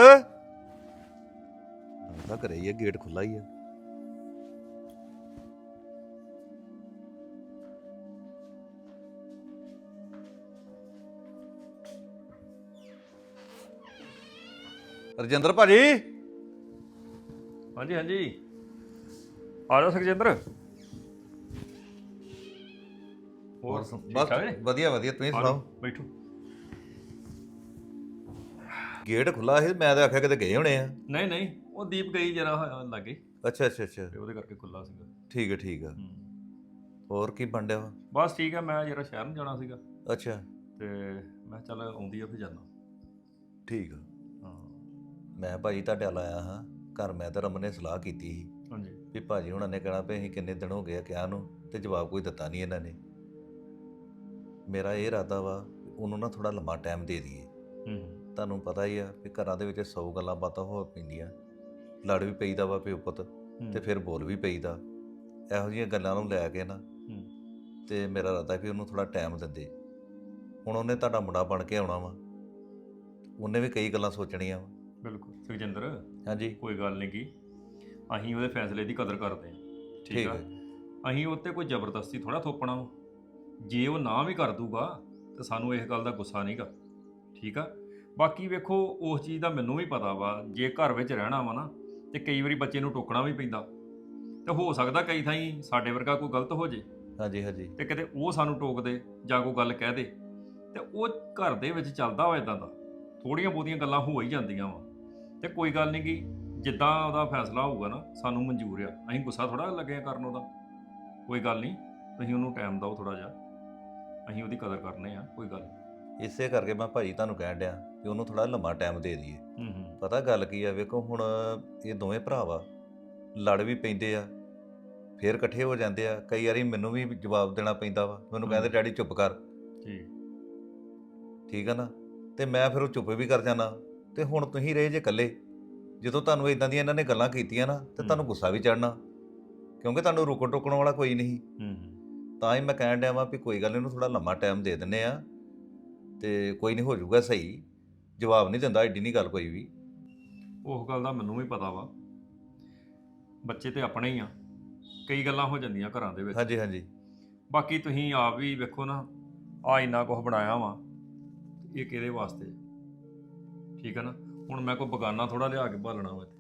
[SPEAKER 2] ਤਾਂ ਘਰੇ ਹੀ ਆ, ਗੇਟ ਖੁੱਲਾ ਹੀ ਆ। ਰਜਿੰਦਰ ਭਾਜੀ।
[SPEAKER 1] ਹਾਂਜੀ ਹਾਂਜੀ ਆ ਜਾਓ ਸੁਖਜਿੰਦਰ।
[SPEAKER 2] ਹੋਰ
[SPEAKER 1] ਠੀਕ
[SPEAKER 2] ਬਸ
[SPEAKER 1] ਠਾਕ ਜੀ?
[SPEAKER 2] ਵਧੀਆ ਵਧੀਆ, ਤੁਸੀਂ
[SPEAKER 1] ਆ
[SPEAKER 2] ਸੁਣਾਓ?
[SPEAKER 1] ਜਾਓ, ਬੈਠੋ।
[SPEAKER 2] ਗੇਟ ਖੁੱਲਾ ਸੀ, ਮੈਂ ਤਾਂ ਆਖਿਆ ਕਿਤੇ ਗਏ ਹੋਣੇ ਆ।
[SPEAKER 1] ਨਹੀਂ ਨਹੀਂ, ਉਹ ਦੀਪ ਗਈ ਜਰਾ ਲਾਗੇ
[SPEAKER 2] ਅੱਛਾ ਅੱਛਾ ਅੱਛਾ,
[SPEAKER 1] ਤੇ ਉਹਦੇ ਕਰਕੇ ਖੁੱਲਾ ਸੀਗਾ।
[SPEAKER 2] ਠੀਕ ਹੈ ਠੀਕ ਆ।
[SPEAKER 1] ਹੂੰ।
[SPEAKER 2] ਹੋਰ ਕੀ ਬਣ ਡਿਆ ਵਾ?
[SPEAKER 1] ਬਸ ਠੀਕ ਆ, ਮੈਂ ਜਰਾ ਸ਼ਹਿਰ ਨੂੰ ਜਾਣਾ ਸੀਗਾ
[SPEAKER 2] ਅੱਛਾ
[SPEAKER 1] ਤੇ ਮੈਂ ਚੱਲ ਆਉਂਦੀ ਆ ਫਿਰ ਜਾਣਾ।
[SPEAKER 2] ਠੀਕ ਆ।
[SPEAKER 1] ਹਾਂ
[SPEAKER 2] ਮੈਂ ਭਾਜੀ ਤੁਹਾਡੇ ਵੱਲ ਆਇਆ ਹਾਂ ਘਰ। ਮੈਂ ਤਾਂ ਰਮਨ ਨੇ ਸਲਾਹ ਕੀਤੀ ਸੀ
[SPEAKER 1] ਹਾਂਜੀ
[SPEAKER 2] ਵੀ ਭਾਜੀ ਹੁਣਾਂ ਨੇ ਕਹਿਣਾ ਵੀ ਅਸੀਂ ਕਿੰਨੇ ਦਿਨ ਹੋ ਗਏ ਆ ਕਿਹਾ ਨੂੰ, ਤੇ ਜਵਾਬ ਕੋਈ ਦਿੱਤਾ ਨਹੀਂ ਇਹਨਾਂ ਨੇ। ਮੇਰਾ ਇਹ ਇਰਾਦਾ ਵਾ ਉਹਨੂੰ ਨਾ ਥੋੜਾ ਲੰਮਾ ਟਾਈਮ ਦੇ ਦਈਏ।
[SPEAKER 1] ਹੂੰ
[SPEAKER 2] ਤੁਹਾਨੂੰ ਪਤਾ ਹੀ ਆ ਵੀ ਘਰਾਂ ਦੇ ਵਿੱਚ ਸੌ ਗੱਲਾਂ ਬਾਤਾਂ ਹੋ ਪੈਂਦੀਆਂ, ਲੜ ਵੀ ਪਈਦਾ ਵਾ ਪਿਓ ਪੁੱਤ, ਤੇ ਫਿਰ ਬੋਲ ਵੀ ਪਈਦਾ। ਇਹੋ ਜਿਹੀਆਂ ਗੱਲਾਂ ਨੂੰ ਲੈ ਕੇ ਨਾ ਤੇ ਮੇਰਾ ਇਰਾਦਾ ਵੀ ਉਹਨੂੰ ਥੋੜਾ ਟਾਈਮ ਦਿੰਦੇ। ਹੁਣ ਉਹਨੇ ਤੁਹਾਡਾ ਮੁੰਡਾ ਬਣ ਕੇ ਆਉਣਾ ਵਾ, ਉਹਨੇ ਵੀ ਕਈ ਗੱਲਾਂ ਸੋਚਣੀਆਂ ਵਾ।
[SPEAKER 1] ਬਿਲਕੁਲ ਸੁਖਜਿੰਦਰ,
[SPEAKER 2] ਹਾਂਜੀ
[SPEAKER 1] ਕੋਈ ਗੱਲ ਨਹੀਂ ਕੀ, ਅਸੀਂ ਉਹਦੇ ਫੈਸਲੇ ਦੀ ਕਦਰ ਕਰਦੇ ਹਾਂ। ਠੀਕ ਆ, ਅਸੀਂ ਉਹ 'ਤੇ ਕੋਈ ਜ਼ਬਰਦਸਤੀ ਥੋੜਾ ਥੋਪਣਾ ਵਾ। ਜੇ ਉਹ ਨਾ ਵੀ ਕਰ ਦੂਗਾ ਤਾਂ ਸਾਨੂੰ ਇਸ ਗੱਲ ਦਾ ਗੁੱਸਾ ਨਹੀਂਗਾ। ਠੀਕ ਆ, ਬਾਕੀ ਵੇਖੋ ਉਸ ਚੀਜ਼ ਦਾ ਮੈਨੂੰ ਵੀ ਪਤਾ ਵਾ, ਜੇ ਘਰ ਵਿੱਚ ਰਹਿਣਾ ਵਾ ਨਾ ਤੇ ਕਈ ਵਾਰੀ ਬੱਚੇ ਨੂੰ ਟੋਕਣਾ ਵੀ ਪੈਂਦਾ, ਤੇ ਹੋ ਸਕਦਾ ਕਈ ਥਾਈਂ ਸਾਡੇ ਵਰਗਾ ਕੋਈ ਗਲਤ ਹੋ ਜੇ
[SPEAKER 2] ਹਾਂਜੀ ਹਾਂਜੀ,
[SPEAKER 1] ਤੇ ਕਿਤੇ ਉਹ ਸਾਨੂੰ ਟੋਕ ਦੇ ਜਾਂ ਕੋਈ ਗੱਲ ਕਹਿ ਦੇ, ਤੇ ਉਹ ਘਰ ਦੇ ਵਿੱਚ ਚੱਲਦਾ ਵਾ ਇਦਾਂ ਦਾ, ਥੋੜੀਆਂ ਬਹੁਤੀਆਂ ਗੱਲਾਂ ਹੋ ਹੀ ਜਾਂਦੀਆਂ ਵਾ। ਤੇ ਕੋਈ ਗੱਲ ਨਹੀਂ ਕਿ ਜਿੱਦਾਂ ਉਹਦਾ ਫੈਸਲਾ ਹੋਊਗਾ ਨਾ ਸਾਨੂੰ ਮਨਜ਼ੂਰ ਆ, ਅਸੀਂ ਗੁੱਸਾ ਥੋੜਾ ਲੱਗਿਆ ਕਰਨ ਉਹਦਾ। ਕੋਈ ਗੱਲ ਨਹੀਂ, ਤੁਸੀਂ ਉਹਨੂੰ ਟਾਈਮ ਦਿਓ ਥੋੜਾ ਜਿਹਾ, ਅਸੀਂ ਉਹਦੀ ਕਦਰ ਕਰਨੇ ਆ, ਕੋਈ ਗੱਲ ਨਹੀਂ।
[SPEAKER 2] ਇਸੇ ਕਰਕੇ ਮੈਂ ਭਾਜੀ ਤੁਹਾਨੂੰ ਕਹਿਣ ਡਿਆ ਕਿ ਉਹਨੂੰ ਥੋੜਾ ਲੰਮਾ ਟਾਈਮ ਦੇ ਦਈਏ।
[SPEAKER 1] ਹੂੰ ਹੂੰ
[SPEAKER 2] ਪਤਾ ਗੱਲ ਕੀ ਆ, ਵੇਖੋ ਹੁਣ ਇਹ ਦੋਵੇਂ ਭਰਾ ਵਾ, ਲੜ ਵੀ ਪੈਂਦੇ ਆ, ਫੇਰ ਇਕੱਠੇ ਹੋ ਜਾਂਦੇ ਆ। ਕਈ ਵਾਰੀ ਮੈਨੂੰ ਵੀ ਜਵਾਬ ਦੇਣਾ ਪੈਂਦਾ ਵਾ, ਮੈਨੂੰ ਕਹਿੰਦੇ ਡੈਡੀ ਚੁੱਪ ਕਰ।
[SPEAKER 1] ਠੀਕ
[SPEAKER 2] ਠੀਕ ਆ ਨਾ, ਤੇ ਮੈਂ ਫਿਰ ਉਹ ਚੁੱਪ ਵੀ ਕਰ ਜਾਣਾ। ਤੇ ਹੁਣ ਤੁਸੀਂ ਰਹੇ ਜੇ ਇਕੱਲੇ, ਜਦੋਂ ਤੁਹਾਨੂੰ ਇਦਾਂ ਦੀਆਂ ਇਹਨਾਂ ਨੇ ਗੱਲਾਂ ਕੀਤੀਆਂ ਨਾ ਤੇ ਤੁਹਾਨੂੰ ਗੁੱਸਾ ਵੀ ਚੜਨਾ, ਕਿਉਂਕਿ ਤੁਹਾਨੂੰ ਰੋਕਣ ਟੋਕਣ ਵਾਲਾ ਕੋਈ ਨਹੀਂ।
[SPEAKER 1] ਹੂੰ ਹੂੰ
[SPEAKER 2] ਤਾਂ ਹੀ ਮੈਂ ਕਹਿਣ ਡਿਆ ਵਾਂ ਵੀ ਕੋਈ ਗੱਲ ਨਹੀਂ, ਇਹਨੂੰ ਥੋੜਾ ਲੰਮਾ ਟਾਈਮ ਦੇ ਦਿੰਨੇ ਆ ਤੇ ਕੋਈ ਨਹੀਂ ਹੋ ਜਾਊਗਾ ਸਹੀ। ਜਵਾਬ ਨਹੀਂ ਦਿੰਦਾ, ਏਡੀ ਨਹੀਂ ਗੱਲ ਕੋਈ ਵੀ।
[SPEAKER 1] ਉਸ ਗੱਲ ਦਾ ਮੈਨੂੰ ਵੀ ਪਤਾ ਵਾ, ਬੱਚੇ ਤੇ ਆਪਣੇ ਹੀ ਆ, ਕਈ ਗੱਲਾਂ ਹੋ ਜਾਂਦੀਆਂ ਘਰਾਂ ਦੇ ਵਿੱਚ।
[SPEAKER 2] ਹਾਂਜੀ ਹਾਂਜੀ
[SPEAKER 1] ਬਾਕੀ ਤੁਸੀਂ ਆਪ ਵੀ ਵੇਖੋ ਨਾ, ਆ ਇੰਨਾ ਕੁਝ ਬਣਾਇਆ ਵਾ, ਇਹ ਕਿਹਦੇ ਵਾਸਤੇ? ਠੀਕ ਹੈ ਨਾ, ਹੁਣ ਮੈਂ ਕੋਈ ਬਗਾਨਾ ਥੋੜਾ ਲਿਆ ਕੇ ਭਾਲਣਾ ਵਾ ਇੱਥੇ।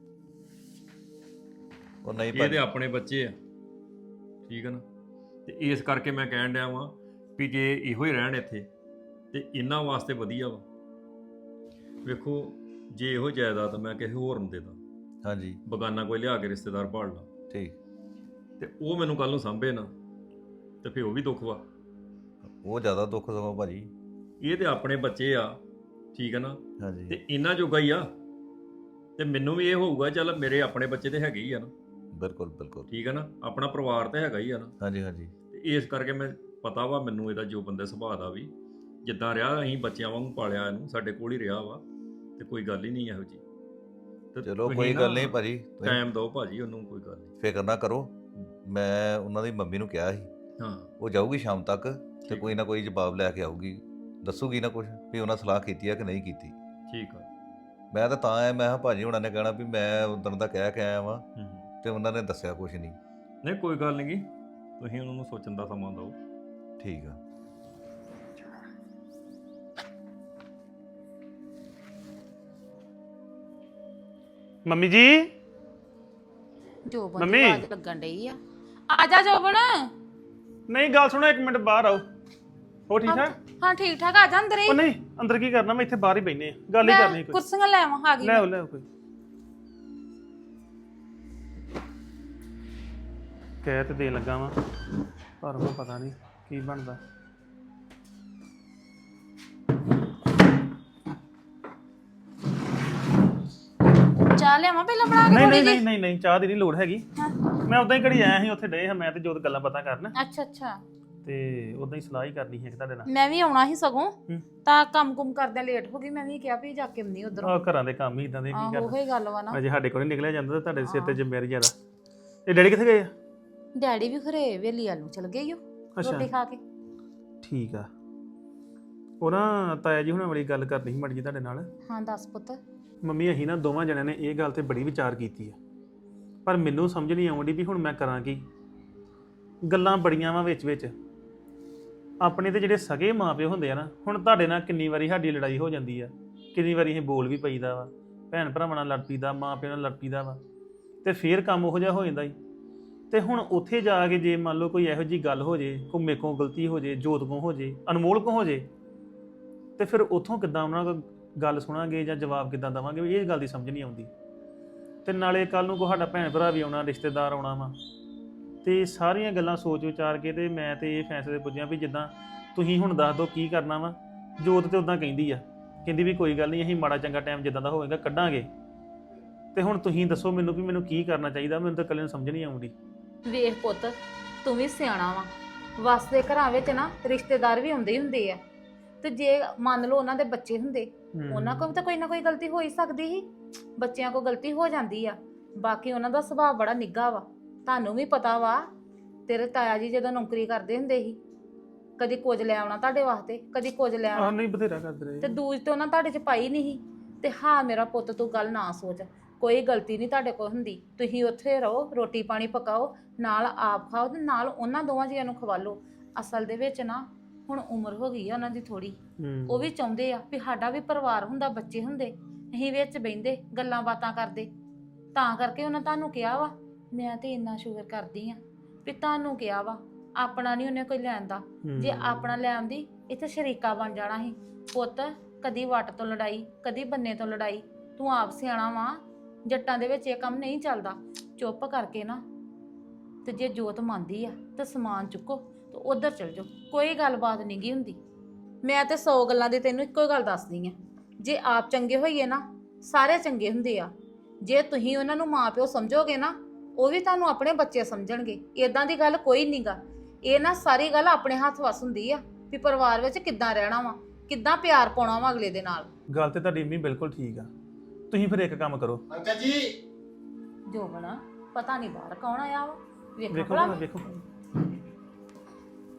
[SPEAKER 2] ਉਹ ਨਹੀਂ
[SPEAKER 1] ਇਹ ਤੇ
[SPEAKER 2] ਭਾਜੀ,
[SPEAKER 1] ਆਪਣੇ ਬੱਚੇ ਆ, ਠੀਕ ਹੈ ਨਾ। ਤੇ ਇਸ ਕਰਕੇ ਮੈਂ ਕਹਿਣ ਡਿਆ ਵਾਂ ਵੀ ਜੇ ਇਹੋ ਹੀ ਰਹਿਣ ਇੱਥੇ ਤੇ ਇਹਨਾਂ ਵਾਸਤੇ ਵਧੀਆ ਵਾ। ਵੇਖੋ ਜੇ ਇਹੋ ਜਾਇਦਾਦ ਮੈਂ ਕਿਸੇ ਹੋਰ ਨੂੰ ਦੇ ਦਾਂ,
[SPEAKER 2] ਹਾਂਜੀ
[SPEAKER 1] ਬਗਾਨਾ ਕੋਈ ਲਿਆ ਕੇ ਰਿਸ਼ਤੇਦਾਰ ਭਾਲ ਲਾ,
[SPEAKER 2] ਠੀਕ।
[SPEAKER 1] ਤੇ ਉਹ ਮੈਨੂੰ ਕੱਲ ਨੂੰ ਸਾਂਭੇ ਨਾ, ਤੇ ਫਿਰ ਉਹ ਵੀ ਦੁੱਖ ਵਾ।
[SPEAKER 2] ਉਹ ਜ਼ਿਆਦਾ ਦੁੱਖ ਸਗੋਂ ਭਾਜੀ।
[SPEAKER 1] ਇਹ ਤੇ ਆਪਣੇ ਬੱਚੇ ਆ, ਠੀਕ ਹੈ ਨਾ,
[SPEAKER 2] ਹਾਂਜੀ
[SPEAKER 1] ਤੇ ਇਹਨਾਂ ਜੋਗਾ ਹੀ ਆ। ਤੇ ਮੈਨੂੰ ਵੀ ਇਹ ਹੋਊਗਾ ਚੱਲ ਮੇਰੇ ਆਪਣੇ ਬੱਚੇ ਤੇ ਹੈਗੇ ਹੀ ਆ ਨਾ,
[SPEAKER 2] ਬਿਲਕੁਲ ਬਿਲਕੁਲ।
[SPEAKER 1] ਠੀਕ ਹੈ ਨਾ, ਆਪਣਾ ਪਰਿਵਾਰ ਤੇ ਹੈਗਾ ਹੀ ਆ ਨਾ।
[SPEAKER 2] ਹਾਂਜੀ ਹਾਂਜੀ
[SPEAKER 1] ਤੇ ਇਸ ਕਰਕੇ ਮੈਂ ਪਤਾ ਵਾ ਮੈਨੂੰ ਇਹਦਾ ਜੋ ਬੰਦੇ ਸੁਭਾਅ ਦਾ ਵੀ, ਜਿੱਦਾਂ ਰਿਹਾ ਅਸੀਂ ਬੱਚਿਆਂ ਵਾਂਗੂ ਪਾਲਿਆ ਇਹਨੂੰ, ਸਾਡੇ ਕੋਲ ਹੀ ਰਿਹਾ ਵਾ, ਤੇ ਕੋਈ ਗੱਲ ਹੀ ਨਹੀਂ ਇਹੋ ਜੀ। ਤੇ
[SPEAKER 2] ਚਲੋ
[SPEAKER 1] ਤੁਸੀਂ
[SPEAKER 2] ਕੋਈ
[SPEAKER 1] ਨਾ
[SPEAKER 2] ਗੱਲ ਨਹੀਂ ਭਾਜੀ, ਤੁਸੀਂ
[SPEAKER 1] ਟਾਈਮ ਦਿਓ ਭਾਜੀ ਉਹਨੂੰ, ਕੋਈ ਗੱਲ ਨਹੀਂ।
[SPEAKER 2] ਫਿਕਰ ਨਾ ਕਰੋ। ਮੈਂ ਉਹਨਾਂ ਦੀ ਮੰਮੀ ਨੂੰ ਕਿਹਾ ਸੀ,
[SPEAKER 1] ਹਾਂ
[SPEAKER 2] ਉਹ ਜਾਊਗੀ ਸ਼ਾਮ ਤੱਕ ਤੇ
[SPEAKER 1] ਠੀਕ
[SPEAKER 2] ਕੋਈ ਨਾ ਕੋਈ ਜਵਾਬ ਲੈ ਕੇ ਆਊਗੀ, ਦੱਸੂਗੀ ਨਾ ਕੁਝ ਵੀ ਉਹਨਾਂ ਸਲਾਹ ਕੀਤੀ ਆ ਕਿ ਨਹੀਂ ਕੀਤੀ।
[SPEAKER 1] ਠੀਕ ਆ।
[SPEAKER 2] ਮੈਂ ਤਾਂ ਤਾਂ ਆਇਆ, ਮੈਂ ਕਿਹਾ ਭਾਜੀ ਹੁਣਾਂ ਨੇ ਕਹਿਣਾ ਵੀ ਮੈਂ ਉਦੋਂ ਦਾ ਕਹਿ ਕੇ ਆਇਆ ਵਾਂ
[SPEAKER 1] ਹੂੰ
[SPEAKER 2] ਤੇ ਉਹਨਾਂ ਨੇ ਦੱਸਿਆ ਕੁਝ ਨਹੀਂ।
[SPEAKER 1] ਨਹੀਂ ਕੋਈ ਗੱਲ ਨਹੀਂ ਗੀ, ਤੁਸੀਂ ਉਹਨਾਂ ਨੂੰ ਸੋਚਣ ਦਾ ਸਮਾਂ ਦਿਓ।
[SPEAKER 2] ਠੀਕ ਆ।
[SPEAKER 4] ਮੰਮੀ ਜੀ,
[SPEAKER 3] ਜੋਬਨ
[SPEAKER 4] ਮੰਮੀ।
[SPEAKER 3] ਦੀ ਆਵਾਜ਼ ਲੱਗਣ ਡਈ ਆ। ਆ ਜਾ ਜੋਬਨ।
[SPEAKER 4] ਨਹੀਂ ਗੱਲ ਸੁਣੋ, ਇੱਕ ਮਿੰਟ ਬਾਹਰ ਆਓ। ਹੋ ਠੀਕ ਠਾਕ?
[SPEAKER 3] ਹਾਂ ਠੀਕ ਠਾਕ, ਆ ਜਾ ਅੰਦਰ ਹੀ।
[SPEAKER 4] ਉਹ ਨਹੀਂ, ਅੰਦਰ ਕੀ ਕਰਨਾ, ਮੈਂ ਇੱਥੇ ਬਾਹਰ ਹੀ ਬੈਠੇ ਆ, ਗੱਲ ਹੀ ਕਰਨੀ
[SPEAKER 3] ਮੈਂ
[SPEAKER 4] ਕੋਈ।
[SPEAKER 3] ਕੁਰਸੀਆਂ ਲੈ ਆਵਾਂ, ਆ ਗਈ
[SPEAKER 4] ਲੈ
[SPEAKER 3] ਮੈਂ।
[SPEAKER 4] ਆਓ ਲੈ ਆਓ ਕੋਈ। ਕਹਿ ਤੇ ਦੇਣ ਲੱਗਾ ਵਾਂ, ਪਰ ਉਹ ਪਤਾ ਨਹੀਂ ਕੀ ਬਣਦਾ।
[SPEAKER 3] ਚਾਹ ਲਿਆਵਾਂ ਪਹਿਲਾਂ ਬਣਾ ਕੇ
[SPEAKER 4] ਨਹੀਂ
[SPEAKER 3] ਥੋੜੀ
[SPEAKER 4] ਨਹੀਂ
[SPEAKER 3] ਜੀ?
[SPEAKER 4] ਨਹੀਂ ਨਹੀਂ, ਚਾਹ ਦੀ ਨਹੀਂ ਲੋੜ ਹੈਗੀ।
[SPEAKER 3] ਹਾਂ।
[SPEAKER 4] ਮੈਂ ਉਦਾਂ ਹੀ ਘੜੀ ਆਇਆ ਸੀ, ਉੱਥੇ ਡਏ ਹਾਂ ਮੈਂ ਤੇ ਜੋਤ ਗੱਲਾਂ ਬਾਤਾਂ ਕਰਨ,
[SPEAKER 3] ਅੱਛਾ ਅੱਛਾ।
[SPEAKER 4] ਤੇ ਉਦਾਂ ਹੀ ਸਲਾਹ ਹੀ ਕਰਨੀ ਸੀ ਤੁਹਾਡੇ ਨਾਲ।
[SPEAKER 3] ਮੈਂ ਵੀ ਆਉਣਾ ਸੀ ਸਗੋਂ,
[SPEAKER 4] ਹੂੰ।
[SPEAKER 3] ਤਾਂ ਕੰਮ ਕੁਮ ਕਰਦਿਆਂ ਲੇਟ ਹੋ ਗਈ। ਮੈਂ ਵੀ ਕਿਹਾ ਵੀ ਜਾ ਕੇ ਆਉਂਦੀ ਉਧਰੋਂ।
[SPEAKER 4] ਆਹ ਘਰਾਂ ਦੇ ਕੰਮ ਹੀ ਇਦਾਂ ਦੇ, ਕੀ
[SPEAKER 3] ਆਹੋ
[SPEAKER 4] ਕਰਨਾ।
[SPEAKER 3] ਉਹੀ ਗੱਲ ਵਾ ਨਾ।
[SPEAKER 4] ਅਜੇ ਸਾਡੇ ਕੋਲ ਨਹੀਂ ਨਿਕਲਿਆ ਜਾਂਦਾ ਤੇ ਤੁਹਾਡੇ ਸਿਰ ਤੇ ਜ਼ਿੰਮੇਵਾਰੀ ਜ਼ਿਆਦਾ। ਇਹ ਡੈਡੀ ਕਿੱਥੇ ਗਏ ਆ?
[SPEAKER 3] ਡੈਡੀ ਵੀ ਖਰੇ ਵੇਲੀ ਵੱਲ ਨੂੰ ਚਲ ਗਏ ਓ
[SPEAKER 4] ਅੱਛਾ।
[SPEAKER 3] ਰੋਟੀ ਖਾ ਕੇ।
[SPEAKER 4] ਠੀਕ ਆ। ਉਹ ਨਾ ਤਾਇਆ ਜੀ ਹੁਣਾਂ ਵਾਲੀ ਗੱਲ ਕਰਨੀ ਸੀ ਮੜ ਜੀ ਤੁਹਾਡੇ ਨਾਲ।
[SPEAKER 3] ਹਾਂ ਦੱਸ ਪੁੱਤ।
[SPEAKER 4] ਮੰਮੀ ਅਸੀਂ ਨਾ ਦੋਵਾਂ ਜਣਿਆਂ ਨੇ ਇਹ ਗੱਲ ਤੇ ਬੜੀ ਵਿਚਾਰ ਕੀਤੀ ਆ, ਪਰ ਮੈਨੂੰ ਸਮਝ ਨਹੀਂ ਆਉਂਦੀ ਵੀ ਹੁਣ ਮੈਂ ਕਰਾਂ ਕੀ। ਗੱਲਾਂ ਬੜੀਆਂ ਵਾ ਵਿੱਚ ਵਿੱਚ। ਆਪਣੇ ਤੇ ਜਿਹੜੇ ਸਗੇ ਮਾਪਿਓ ਹੁੰਦੇ ਆ ਨਾ, ਹੁਣ ਤੁਹਾਡੇ ਨਾਲ ਕਿੰਨੀ ਵਾਰੀ ਸਾਡੀ ਲੜਾਈ ਹੋ ਜਾਂਦੀ ਆ, ਕਿੰਨੀ ਵਾਰੀ ਅਸੀਂ ਬੋਲ ਵੀ ਪਈਦਾ ਵਾ, ਭੈਣ ਭਰਾਵਾਂ ਨਾਲ ਲੜ ਪਈਦਾ, ਮਾਂ ਪਿਓ ਨਾਲ ਲੜ ਪਈਦਾ ਵਾ, ਤੇ ਫੇਰ ਕੰਮ ਉਹੋ ਜਿਹਾ ਹੋ ਜਾਂਦਾ ਈ। ਤੇ ਹੁਣ ਉੱਥੇ ਜਾ ਕੇ ਜੇ ਮੰਨ ਲਓ ਕੋਈ ਇਹੋ ਜਿਹੀ ਗੱਲ ਹੋ ਜੇ, ਕੋਈ ਮੇਰੇ ਕੋਲ ਗਲਤੀ ਹੋ ਜੇ, ਜੋਤ ਕੋਲ ਹੋ ਜੇ, ਅਨਮੋਲ ਕੋਲ ਹੋ ਜੇ, ਤੇ ਫਿਰ ਉੱਥੋਂ ਕਿੱਦਾਂ ਉਹਨਾਂ ਕੋਲ ਗੱਲ ਸੁਣਾਂਗੇ ਜਾਂ ਜਵਾਬ ਕਿੱਦਾਂ ਦੇਵਾਂਗੇ, ਇਹ ਗੱਲ ਦੀ ਸਮਝ ਨਹੀਂ ਆਉਂਦੀ। ਤੇ ਨਾਲੇ ਕੱਲ ਨੂੰ ਕੋਈ ਸਾਡਾ ਭੈਣ ਭਰਾ ਵੀ ਆਉਣਾ, ਰਿਸ਼ਤੇਦਾਰ ਆਉਣਾ ਵਾ, ਤੇ ਸਾਰੀਆਂ ਗੱਲਾਂ ਸੋਚ ਵਿਚਾਰ ਕੇ ਤੇ ਮੈਂ ਤੇ ਇਹ ਫੈਸਲੇ ਪੁੱਜਿਆ ਵੀ ਜਿੱਦਾਂ ਤੁਸੀਂ ਹੁਣ ਦੱਸ ਦਿਓ ਕੀ ਕਰਨਾ ਵਾ। ਜੋਤ ਤੇ ਉਦਾਂ ਕਹਿੰਦੀ ਆ, ਕਹਿੰਦੀ ਵੀ ਕੋਈ ਗੱਲ ਨਹੀਂ, ਅਸੀਂ ਮਾੜਾ ਚੰਗਾ ਟਾਈਮ ਜਿੱਦਾਂ ਦਾ ਹੋਵੇਗਾ ਕੱਢਾਂਗੇ। ਤੇ ਹੁਣ ਤੁਸੀਂ ਦੱਸੋ ਮੈਨੂੰ ਵੀ ਮੈਨੂੰ ਕੀ ਕਰਨਾ ਚਾਹੀਦਾ, ਮੈਨੂੰ ਤਾਂ ਇਕੱਲੇ ਨੂੰ ਸਮਝ ਨਹੀਂ ਆਉਂਦੀ।
[SPEAKER 3] ਵੇਖ ਪੁੱਤ, ਤੂੰ ਵੀ ਸਿਆਣਾ ਵਾ। ਵਸਦੇ ਘਰਾਂ ਵਿੱਚ ਨਾ ਰਿਸ਼ਤੇਦਾਰ ਵੀ ਹੁੰਦੇ ਹੀ ਹੁੰਦੇ ਆ, ਤੇ ਜੇ ਮੰਨ ਲਓ ਉਹਨਾਂ ਦੇ ਬੱਚੇ ਹੁੰਦੇ, ਉਹਨਾਂ ਕੋਲ ਤਾਂ ਕੋਈ ਨਾ ਕੋਈ ਗਲਤੀ ਹੋ ਹੀ ਸਕਦੀ ਸੀ। ਬੱਚਿਆਂ ਕੋਲ ਗਲਤੀ ਹੋ ਜਾਂਦੀ ਆ। ਬਾਕੀ ਉਹਨਾਂ ਦਾ ਸੁਭਾਅ ਬੜਾ ਨਿੱਘਾ ਵਾ। ਤੁਹਾਨੂੰ ਵੀ ਪਤਾ ਵਾ, ਤੇਰੇ ਤਾਇਆ ਜੀ ਜਦੋਂ ਨੌਕਰੀ ਕਰਦੇ ਹੁੰਦੇ ਸੀ, ਕਦੀ ਕੁਝ ਲੈ ਆਉਣਾ ਤੁਹਾਡੇ ਵਾਸਤੇ, ਕਦੀ ਕੁਝ ਲੈ
[SPEAKER 4] ਆਹ
[SPEAKER 3] ਆਉਣਾ,
[SPEAKER 4] ਨਹੀਂ ਬਥੇਰਾ ਕਰਦੇ ਰਹੇ।
[SPEAKER 3] ਤੇ ਦੂਜ ਤੇ ਉਹਨਾਂ ਤੁਹਾਡੇ ਚ ਪਾਈ ਨਹੀਂ ਸੀ। ਤੇ ਹਾਂ ਮੇਰਾ ਪੁੱਤ, ਤੂੰ ਗੱਲ ਨਾ ਸੋਚ, ਕੋਈ ਗਲਤੀ ਨਹੀਂ ਤੁਹਾਡੇ ਕੋਲ ਹੁੰਦੀ। ਤੁਸੀਂ ਉੱਥੇ ਰਹੋ, ਰੋਟੀ ਪਾਣੀ ਪਕਾਓ, ਨਾਲ ਆਪ ਖਾਓ ਤੇ ਨਾਲ ਉਹਨਾਂ ਦੋਵਾਂ ਜੀਆਂ ਨੂੰ ਖਵਾ ਲਓ। ਅਸਲ ਦੇ ਵਿੱਚ ਨਾ ਹੁਣ ਉਮਰ ਹੋ ਗਈ ਆ ਉਹਨਾਂ ਦੀ ਥੋੜੀ, ਉਹ ਵੀ ਚਾਹੁੰਦੇ ਆ ਵੀ ਸਾਡਾ ਵੀ ਪਰਿਵਾਰ ਹੁੰਦਾ, ਬੱਚੇ ਹੁੰਦੇ, ਅਸੀਂ ਵਿੱਚ ਬਹਿੰਦੇ ਗੱਲਾਂ ਬਾਤਾਂ ਕਰਦੇ। ਤਾਂ ਕਰਕੇ ਉਹਨਾਂ ਤੁਹਾਨੂੰ ਕਿਹਾ ਵਾ। ਮੈਂ ਤੇ ਇੰਨਾ ਸ਼ੁਕਰ ਕਰਦੀ ਆ ਵੀ ਤੁਹਾਨੂੰ ਕਿਹਾ ਵਾ। ਆਪਣਾ ਨਹੀਂ ਉਹਨੇ ਕੋਈ ਲੈਣ ਦਾ, ਜੇ ਆਪਣਾ ਲੈ ਆਉਂਦੀ ਇੱਥੇ ਸ਼ਰੀਕਾ ਬਣ ਜਾਣਾ ਸੀ। ਪੁੱਤ, ਕਦੀ ਵੱਟ ਤੋਂ ਲੜਾਈ, ਕਦੀ ਬੰਨੇ ਤੋਂ ਲੜਾਈ। ਤੂੰ ਆਪ ਸਿਆਣਾ ਵਾ, ਜੱਟਾਂ ਦੇ ਵਿੱਚ ਇਹ ਕੰਮ ਨਹੀਂ ਚੱਲਦਾ। ਚੁੱਪ ਕਰਕੇ ਨਾ, ਤੇ ਜੇ ਜੋਤ ਮੰਨਦੀ ਆ ਤਾਂ ਸਮਾਨ ਚੁੱਕੋ ਤੇ ਉਧਰ ਚਲ ਜਾਓ, ਕੋਈ ਗੱਲਬਾਤ ਨਹੀਂ ਗੀ ਹੁੰਦੀ। ਮੈਂ ਤੇ ਸੌ ਗੱਲਾਂ ਦੀ ਤੈਨੂੰ ਇੱਕੋ ਗੱਲ ਦੱਸਦੀ ਆ, ਜੇ ਆਪ ਚੰਗੇ ਹੋਈਏ ਨਾ, ਸਾਰੇ ਚੰਗੇ ਹੁੰਦੇ ਆ। ਜੇ ਤੁਸੀਂ ਉਹਨਾਂ ਨੂੰ ਮਾਂ ਪਿਓ ਸਮਝੋਗੇ ਨਾ, ਉਹ ਵੀ ਤੁਹਾਨੂੰ ਆਪਣੇ ਬੱਚੇ ਸਮਝਣਗੇ। ਇਦਾਂ ਦੀ ਗੱਲ ਕੋਈ ਨਹੀਂਗਾ। ਇਹ ਨਾ ਸਾਰੀ ਗੱਲ ਆਪਣੇ ਹੱਥ ਵਸ ਹੁੰਦੀ ਆ ਵੀ ਪਰਿਵਾਰ ਵਿੱਚ ਕਿੱਦਾਂ ਰਹਿਣਾ ਵਾ, ਕਿੱਦਾਂ ਪਿਆਰ ਪਾਉਣਾ ਵਾ ਅਗਲੇ ਦੇ ਨਾਲ।
[SPEAKER 4] ਗੱਲ ਤੇ ਤੁਹਾਡੀ ਮੰਮੀ ਬਿਲਕੁਲ ਠੀਕ ਆ। ਤੁਸੀਂ ਫਿਰ ਇੱਕ ਕੰਮ ਕਰੋ।
[SPEAKER 7] ਅੰਕਲ ਜੀ,
[SPEAKER 3] ਜੋਬਨ, ਪਤਾ ਨਹੀਂ ਬਾਹਰ ਕੌਣ ਆਇਆ ਵਾ। ਵੇਖੋ
[SPEAKER 4] ਵੇਖੋ
[SPEAKER 3] ਭਲਾ।
[SPEAKER 4] ਭਲਾ, ਵੇਖੋ।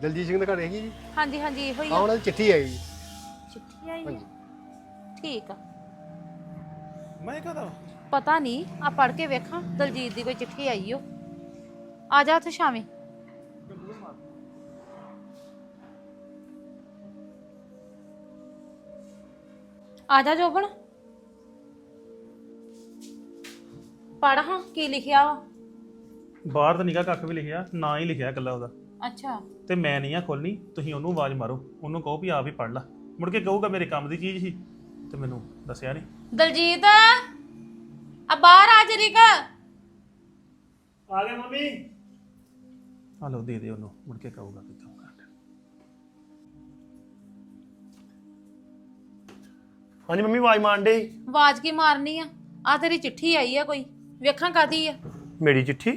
[SPEAKER 8] ਦਲਜੀਤ ਸਿੰਘ ਦੇ ਘਰ ਹੈਗੀ ਜੀ।
[SPEAKER 3] ਹਾਂਜੀ ਹਾਂਜੀ ਇਹੋ ਹੀ
[SPEAKER 8] ਆ
[SPEAKER 3] ਆ।
[SPEAKER 8] ਉਹਨਾਂ ਦੀ ਚਿੱਠੀ ਆਈ ਜੀ।
[SPEAKER 3] ਚਿੱਠੀ ਆਈ
[SPEAKER 8] ਹਾਂਜੀ।
[SPEAKER 3] ਆ ਠੀਕ ਆ।
[SPEAKER 4] ਮੈਂ ਕਹਦਾ
[SPEAKER 3] ਪਤਾ ਨਹੀਂ ਆ ਪੜ ਕੇ ਵੇਖਾਂ ਦਲਜੀਤ ਦੀ ਕੋਈ ਚਿੱਠੀ ਆਈ ਓ। ਆ ਜਾ ਉੱਥੇ ਸ਼ਾਮੇ। ਆ ਜਾ ਜੋਬਨ ਪੜ ਹਾਂ ਕੀ ਲਿਖਿਆ ਵਾ।
[SPEAKER 4] ਬਾਹਰ ਤਾਂ ਨਿਕਾ ਕੱਖ ਵੀ ਲਿਖਿਆ ਨਾ ਹੀ ਲਿਖਿਆ ਇਕੱਲਾ ਉਹਦਾ
[SPEAKER 3] ਅੱਛਾ
[SPEAKER 4] ਤੇ ਮੈਂ ਨਹੀਂ ਆ ਖੋਲਣੀ ਤੁਸੀਂ ਉਹਨੂੰ ਆਵਾਜ਼ ਮਾਰੋ ਉਹਨੂੰ ਕਹੋ ਵੀ ਆਪ ਹੀ ਪੜ ਲੈ ਮੁੜ ਕੇ ਕਹੂਗਾ ਮੇਰੇ ਕੰਮ ਦੀ ਚੀਜ਼ ਸੀ ਤੇ ਮੈਨੂੰ ਦੱਸਿਆ ਨਹੀਂ।
[SPEAKER 3] ਦਲਜੀਤ ਆ ਬਾਹਰ ਆ ਜਰੀਕਾ।
[SPEAKER 7] ਆ ਗਏ ਮੰਮੀ।
[SPEAKER 4] ਆ ਲਓ ਦੇ ਦੇ ਉਹਨੂੰ ਮੁੜ ਕੇ ਕਹੂਗਾ ਕਿ ਕਿਉਂ ਕਰ
[SPEAKER 7] ਹਾਂਜੀ ਮੰਮੀ ਆਵਾਜ਼ ਮਾਰਨ ਡੇ।
[SPEAKER 3] ਆਵਾਜ਼ ਕੀ ਮਾਰਨੀ ਆ ਆ ਤੇਰੀ ਚਿੱਠੀ ਆਈ ਆ ਕੋਈ ਵੇਖਾਂ ਕਾਦੀ ਆ।
[SPEAKER 7] ਮੇਰੀ ਚਿੱਠੀ?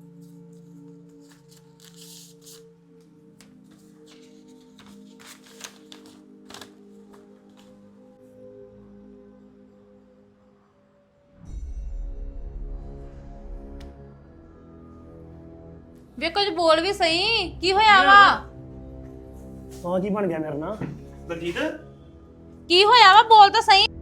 [SPEAKER 3] ਵੇ ਕੁਝ ਬੋਲ ਵੀ ਸਹੀ ਕੀ ਹੋਇਆ ਵਾ।
[SPEAKER 7] ਹਾਂ ਕੀ ਬਣ ਗਿਆ ਮੇਰੇ ਨਾਲ?
[SPEAKER 4] ਦਲਜੀਤ
[SPEAKER 3] ਕੀ ਹੋਇਆ ਵਾ ਬੋਲ ਤਾਂ ਸਹੀ।